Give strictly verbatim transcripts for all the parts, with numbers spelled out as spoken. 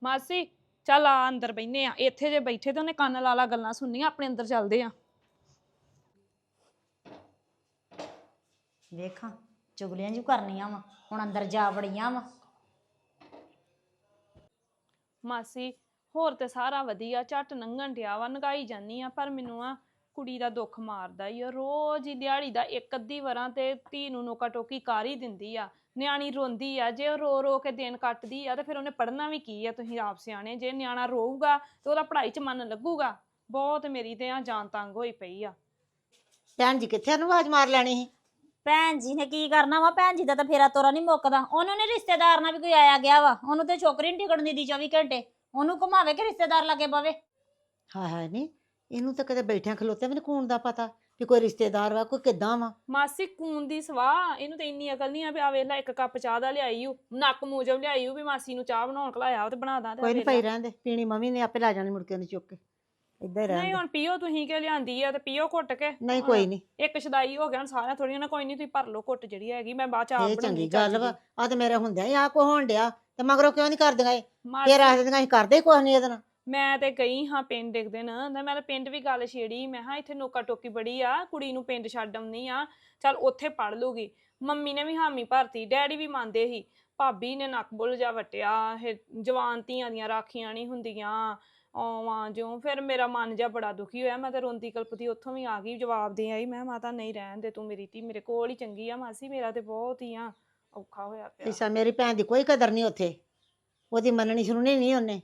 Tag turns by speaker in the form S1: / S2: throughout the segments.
S1: ਮਾਸੀ ਚੱਲ ਆ ਅੰਦਰ ਬੈਠਨੇ ਆ। ਇੱਥੇ ਜੇ ਬੈਠੇ ਤੇ ਉਹਨੇ ਕੰਨ ਲਾ ਲਾ ਗੱਲਾਂ ਸੁਣਨੀਆਂ। ਆਪਣੇ ਅੰਦਰ ਚੱਲਦੇ ਆ।
S2: ਵੇਖਾਂ ਚੁਗਲੀਆਂ ਜੂ ਕਰਨੀਆਂ ਵਾ, ਹੁਣ ਅੰਦਰ ਜਾ ਵੜੀਆਂ ਵਾ।
S1: ਮਾਸੀ ਹੋਰ ਤੇ ਸਾਰਾ ਵਧੀਆ, ਝੱਟ ਲੰਘਣ ਡਿਆ ਵਾ, ਨਗਾਈ ਜਾਨੀ ਆ। ਪਰ ਮੈਨੂੰ ਆ ਕੁੜੀ ਦਾ ਦੁੱਖ ਮਾਰਦਾ ਈ ਆ। ਰੋਜ਼ ਹੀ ਦਿਹਾੜੀ ਦਾ ਇੱਕ ਅੱਧੀ ਵਾਰਾਂ ਤੇ ਧੀ ਨੂੰ ਨੋਕਾ ਟੋਕੀ ਕਰ ਹੀ ਦਿੰਦੀ ਆ। ਨਿਆਣੀ ਰੋਂਦੀ ਆ, ਜੇ ਉਹ ਰੋ ਰੋ ਕੇ ਦਿਨ ਕੱਟਦੀ ਆ ਤੇ ਫਿਰ ਉਹਨੇ ਪੜ੍ਹਨਾ ਵੀ ਕੀ ਆ। ਤੁਸੀਂ ਆਪ ਸਿਆਣੇ ਜੇ। ਨਿਆਣਾ ਰੋਊਗਾ ਤੇ ਉਹਦਾ ਪੜ੍ਹਾਈ 'ਚ ਮਨ ਲੱਗੂਗਾ। ਬਹੁਤ ਮੇਰੀ ਤੇ ਆ ਜਾਨ ਤੰਗ ਹੋਈ ਪਈ ਆ।
S3: ਭੈਣ ਜੀ ਕਿੱਥੇ ਉਹਨੂੰ ਆਵਾਜ਼ ਮਾਰ ਲੈਣੀ ਸੀ?
S2: ਭੈਣ ਜੀ ਨੇ ਕੀ ਕਰਨਾ ਵਾ, ਭੈਣ ਜੀ ਦਾ ਤਾਂ ਫੇਰਾ ਤੋਰਾ ਨਹੀਂ ਮੁੱਕਦਾ। ਉਹਨੂੰ ਨੇ ਰਿਸ਼ਤੇਦਾਰ ਨਾਲ ਵੀ ਕੋਈ ਆਇਆ ਗਿਆ ਵਾ, ਉਹਨੂੰ ਤੇ ਛੋਕਰੀ ਨੀ ਟਿਕਣ ਦਿੰਦੀ ਚੌਵੀ ਘੰਟੇ। ਉਹਨੂੰ ਘੁਮਾਵੇ ਕਿ ਰਿਸ਼ਤੇਦਾਰ ਲੱਗੇ ਪਵੇ।
S3: ਹਾਏ ਹਾਏ ਨੀ, ਇਹਨੂੰ ਤਾਂ ਕਦੇ ਬੈਠਿਆਂ ਖਲੋਤੇ ਵੀ ਨੀ ਕੂਣ ਦਾ ਪਤਾ ਵੀ ਕੋਈ ਰਿਸ਼ਤੇਦਾਰ ਵਾ, ਕੋਈ ਕਿੱਦਾਂ ਵਾ।
S1: ਮਾਸੀ ਕੂਨ ਦੀ ਸਵਾਹ, ਇਹਨੂੰ ਤੇ ਇੰਨੀ ਅਕਲ ਨਹੀਂ ਆ ਵੀ ਆ ਵੇਖ ਲੈ ਇੱਕ ਕੱਪ ਚਾਹ ਦਾ ਲਿਆਈ ਊ, ਨੱਕ ਮੂਜਬ ਲਿਆਈ ਊ ਵੀ ਮਾਸੀ ਨੂੰ ਚਾਹ ਬਣਾਉਣ ਘਲਾਇਆ ਤੇ ਬਣਾ ਦਾਂ।
S3: ਕੋਈ ਨੀ ਪਈ ਰਹਿਣ ਦੇ, ਪੀਣੀ ਮੰਮੀ ਨੇ ਆਪੇ ਲੈ ਜਾਣੀ ਮੁੜ ਕੇ ਉਹਨੇ ਚੁੱਕ ਕੇ। ਏਦਾਂ ਹੀ ਰਹਿਣ
S1: ਨਹੀਂ
S3: ਦੇ।
S1: ਹੁਣ ਪੀਓ ਤੁਸੀਂ ਕਿ ਲਿਆਂਦੀ ਆ ਤੇ ਪੀਓ ਘੁੱਟ ਕੇ।
S3: ਨਹੀਂ ਕੋਈ ਨੀ,
S1: ਇੱਕ ਛਦਾਈ ਹੋ ਗਿਆ ਹੁਣ ਸਾਰਿਆਂ ਥੋੜੀਆਂ ਨਾ। ਕੋਈ ਨਹੀਂ ਤੁਸੀਂ ਭਰ ਲਓ ਘੁੱਟ ਜਿਹੜੀ ਹੈਗੀ, ਮੈਂ ਬਾਅਦ ਚ ਆਪ
S3: ਇਹ
S1: ਬਣਾਉਣੀ
S3: ਚੰਗੀ ਗੱਲ ਵਾ। ਆ ਤੇ ਮੇਰੇ ਹੁੰਦਿਆਂ ਹੀ ਆ ਕੋ ਹੋਣ ਡਿਆ ਤੇ ਮਗਰੋਂ ਕਿਉਂ ਨੀ ਕਰਦੀਆਂ ਇਹ?
S1: ਮਾਸੀ
S3: ਫੇਰ ਆਖ ਦਿੰਦੀਆਂ ਅਸੀਂ ਕਰਦੇ ਹੀ ਕੁਛ ਨੀ ਇਹਦੇ ਨਾਲ।
S1: ਮੈਂ ਤੇ ਗਈ ਹਾਂ ਪਿੰਡ ਇੱਕ ਦਿਨ ਤੇ ਮੈਂ ਤਾਂ ਪਿੰਡ ਵੀ ਗੱਲ ਛੇੜੀ। ਮੈਂ ਹਾਂ ਇੱਥੇ ਨੋਕਾ ਟੋਕੀ ਬੜੀ ਆ, ਕੁੜੀ ਨੂੰ ਪਿੰਡ ਛੱਡ ਆਉਣੀ ਆ, ਚੱਲ ਉੱਥੇ ਪੜ ਲੂਗੀ। ਮੰਮੀ ਨੇ ਵੀ ਹਾਮੀ ਭਰਤੀ, ਡੈਡੀ ਵੀ ਮੰਨਦੇ ਸੀ। ਭਾਬੀ ਨੇ ਨੱਕ ਬੁੱਲ ਜਾ ਵਟਿਆ, ਇਹ ਜਵਾਨ ਧੀਆਂ ਦੀਆਂ ਰਾਖੀਆਂ ਨਹੀਂ ਹੁੰਦੀਆਂ ਆਵਾਂ ਜਿਉਂ। ਫਿਰ ਮੇਰਾ ਮਨ ਜਿਹਾ ਬੜਾ ਦੁਖੀ ਹੋਇਆ। ਮੈਂ ਤਾਂ ਰੋਂਦੀ ਕਲਪਦੀ ਉੱਥੋਂ ਵੀ ਆ ਗਈ, ਜਵਾਬ ਦੇ ਆਈ। ਮੈਂ ਮਾਤਾ ਨਹੀਂ ਰਹਿਣ ਦੇ ਤੂੰ, ਮੇਰੀ ਧੀ ਮੇਰੇ ਕੋਲ ਹੀ ਚੰਗੀ ਆ। ਮਾਸੀ ਮੇਰਾ ਤੇ ਬਹੁਤ ਹੀ ਆ ਔਖਾ ਹੋਇਆ ਪਿਆ।
S3: ਇਸਾ ਮੇਰੀ ਭੈਣ ਦੀ ਕੋਈ ਕਦਰ ਨਹੀਂ ਉੱਥੇ, ਉਹਦੀ ਮੰਨਣੀ ਸੁਣਨੀ ਨਹੀਂ ਉਹਨੇ।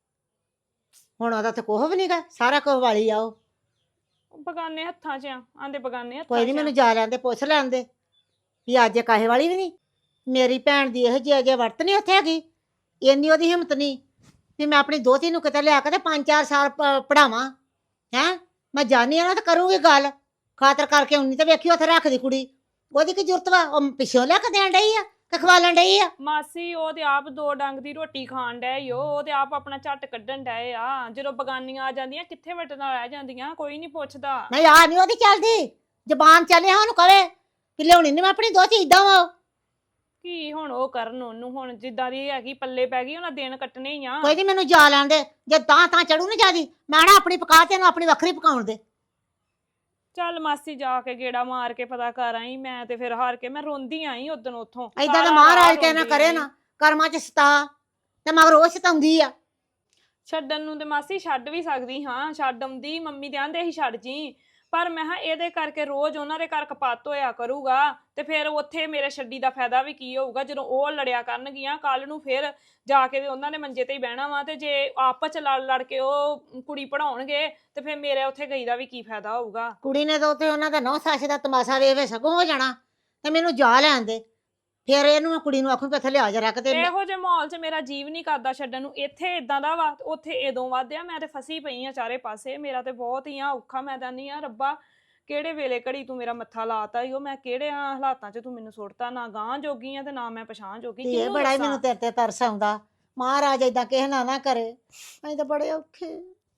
S3: ਹੁਣ ਉਹਦਾ ਤੇ ਕੋਹ ਵੀ ਨੀਗਾ, ਸਾਰਾ ਕੁਝ ਵਾਲੀ ਆ ਉਹ।
S1: ਬਗਾਨੇ ਹੱਥਾਂ 'ਚ ਆ, ਆਂਦੇ ਬਗਾਨੇ ਹੱਥਾਂ 'ਚ।
S3: ਕੋਈ ਨੀ, ਮੈਨੂੰ ਜਾ ਲੈਂਦੇ, ਪੁੱਛ ਲੈਂਦੇ ਵੀ ਅੱਜ ਇਹ ਕਾਹੇ ਵਾਲੀ ਵੀ ਨਹੀਂ। ਮੇਰੀ ਭੈਣ ਦੀ ਇਹੋ ਜਿਹੀ ਅਜੇ ਵਰਤ ਨਹੀਂ ਉੱਥੇ ਹੈਗੀ। ਇੰਨੀ ਉਹਦੀ ਹਿੰਮਤ ਨਹੀਂ ਵੀ ਮੈਂ ਆਪਣੀ ਦੋਹਤੀ ਨੂੰ ਕਿਤੇ ਲਿਆ ਕੇ ਤੇ ਪੰਜ ਚਾਰ ਸਾਲ ਪੜਾਵਾਂ। ਹੈਂ, ਮੈਂ ਜਾਣੀ ਆ ਨਾ ਤੇ ਕਰੂੰਗੀ ਗੱਲ ਖਾਤਰ ਕਰਕੇ। ਉਨੀ ਤੇ ਵੇਖੀ ਉੱਥੇ ਰੱਖਦੀ ਕੁੜੀ, ਉਹਦੀ ਕੀ ਜ਼ਰੂਰਤ ਵਾ? ਉਹ ਪਿੱਛੋਂ ਲਿਆ ਕੇ ਦੇਣ ਡਈ ਆ ਕਿ ਖਵਾਲਣ ਡਈ ਆ?
S1: ਮਾਸੀ ਉਹ ਤੇ ਆਪ ਦੋ ਡੰਗ ਦੀ ਰੋਟੀ ਖਾਣ ਡਏ ਓ, ਉਹ ਤੇ ਆਪ ਆਪਣਾ ਝੱਟ ਕੱਢਣ ਡਏ ਆ। ਜਦੋਂ ਬਗਾਨੀਆਂ ਆ ਜਾਂਦੀਆਂ ਕਿੱਥੇ ਵਟਣਾ ਰਹਿ ਜਾਂਦੀਆਂ, ਕੋਈ ਨਹੀਂ ਪੁੱਛਦਾ।
S3: ਨਹੀਂ ਆ ਨਹੀਂ ਉਹਦੀ ਚੱਲਦੀ ਜ਼ਬਾਨ, ਚੱਲੇ ਉਹਨੂੰ ਕਵੇ ਕਿ ਲਿਆਉਣੀ ਨੀ ਮੈਂ ਆਪਣੀ ਦੋਹਤੀ, ਏਦਾਂ ਵਾ।
S1: ਕੀ ਹੁਣ ਉਹ ਕਰਨ ਉਹਨੂੰ, ਹੁਣ ਜਿੱਦਾਂ ਦੀ ਹੈਗੀ ਪੱਲੇ ਪੈ ਗਈ, ਉਹਨਾਂ ਦਿਨ ਕੱਟਣੇ ਹੀ ਆ।
S3: ਕੋਈ ਨੀ, ਮੈਨੂੰ ਜਾ ਲੈਣ ਦੇ। ਜੇ ਤਾਂ ਤਾਂ ਚੜੂ ਨਾ ਜਿਆਦੀ, ਮੈਂ ਨਾ ਆਪਣੀ ਪਕਾ ਤੇ ਇਹਨੂੰ ਆਪਣੀ ਵੱਖਰੀ ਪਕਾਉਣ ਦੇ।
S1: ਚੱਲ ਮਾਸੀ ਜਾ ਕੇ ਗੇੜਾ ਮਾਰ ਕੇ ਪਤਾ ਕਰ ਆਈ। ਮੈਂ ਤੇ ਫਿਰ ਹਾਰ ਕੇ ਮੈਂ ਰੋਂਦੀ ਆਈ ਉਦੋਂ ਉੱਥੋਂ।
S3: ਏਦਾਂ ਤਾਂ ਮਹਾਰਾਜ ਕੇ ਨਾ ਕਰੇ ਨਾ, ਕਰਮਾਂ ਚ ਸਤਾ ਤੇ ਮਗਰ ਉਹ ਸਤਾਉਂਦੀ ਆ।
S1: ਛੱਡਣ ਨੂੰ ਤੇ ਮਾਸੀ ਛੱਡ ਵੀ ਸਕਦੀ ਹਾਂ, ਛੱਡ ਆਉਂਦੀ। ਮੰਮੀ ਦੇ ਆਂਦੇ ਸੀ ਛੱਡ ਜੀ, ਪਰ ਮੈਂ ਹਾਂ ਇਹਦੇ ਕਰਕੇ ਰੋਜ਼ ਉਹਨਾਂ ਦੇ ਘਰ ਕਪੱਤ ਹੋਇਆ ਕਰੂਗਾ ਤੇ ਫਿਰ ਉੱਥੇ ਮੇਰੇ ਛੱਡੀ ਦਾ ਫਾਇਦਾ ਵੀ ਕੀ ਹੋਊਗਾ? ਜਦੋਂ ਉਹ ਲੜਿਆ ਕਰਨਗੀਆਂ ਕੱਲ ਨੂੰ, ਫਿਰ ਜਾ ਕੇ ਉਹਨਾਂ ਨੇ ਮੰਜੇ ਤੇ ਹੀ ਬਹਿਣਾ ਵਾ। ਤੇ ਜੇ ਆਪਸ ਚ ਲੜ ਲੜ ਕੇ ਉਹ ਕੁੜੀ ਪੜਾਉਣਗੇ ਤੇ ਫਿਰ ਮੇਰੇ ਉੱਥੇ ਗਈ ਦਾ ਵੀ ਕੀ ਫਾਇਦਾ ਹੋਊਗਾ?
S3: ਕੁੜੀ ਨੇ ਤਾਂ ਉੱਥੇ ਉਹਨਾਂ ਦਾ ਨੌ ਸੱਸ ਦਾ ਤਮਾਸ਼ਾ ਵੇਖ ਵੇ ਸਗੋਂ ਹੋ ਜਾਣਾ। ਤੇ ਮੈਨੂੰ ਜਾ ਲੈਣ ਦੇ, ਫਿਰ ਇਹਨੂੰ ਮੈਂ ਕੁੜੀ ਨੂੰ ਆਖੂ ਕਿ ਇੱਥੇ ਲਿਆ ਜਾ ਰੱਖ ਤੇ।
S1: ਇਹੋ ਜਿਹੇ ਮਾਹੌਲ 'ਚ ਮੇਰਾ ਜੀਵ ਨਹੀਂ ਕਰਦਾ ਛੱਡਣ ਨੂੰ। ਇੱਥੇ ਇਦਾਂ ਦਾ ਵਾ, ਉੱਥੇ ਇਦੋਂ ਵੱਧ ਆ। ਮੈਂ ਤੇ ਫਸੀ ਪਈ ਆ ਚਾਰੇ ਪਾਸੇ। ਮੇਰਾ ਤੇ ਬਹੁਤ ਹੀ ਆ ਔਖਾ। ਮੈਂ ਤਾਂ ਨਹੀਂ ਆ ਰੱਬਾ ਕਿਹੜੇ ਵੇਲੇ ਘੜੀ ਤੂੰ ਮੇਰਾ ਮੱਥਾ ਲਾਤਾ ਈ। ਉਹ ਮੈਂ ਕਿਹੜੇ ਹਾਲਾਤਾਂ 'ਚ ਤੂੰ ਮੈਨੂੰ ਸੁੱਟਤਾ। ਨਾ ਗਾਂ ਜੋਗੀ ਆ ਤੇ ਨਾ ਮੈਂ ਪਛਾਣ ਜੋਗੀ।
S3: ਇਹ ਬੜਾ ਹੀ ਮੈਨੂੰ ਤੇਰੇ ਤੇ ਤਰਸ ਆਉਂਦਾ। ਮਹਾਰਾਜ ਏਦਾਂ ਕਿਸੇ ਨਾਲ ਨਾ ਕਰੇ, ਅਸੀਂ ਤਾਂ ਬੜੇ ਔਖੇ।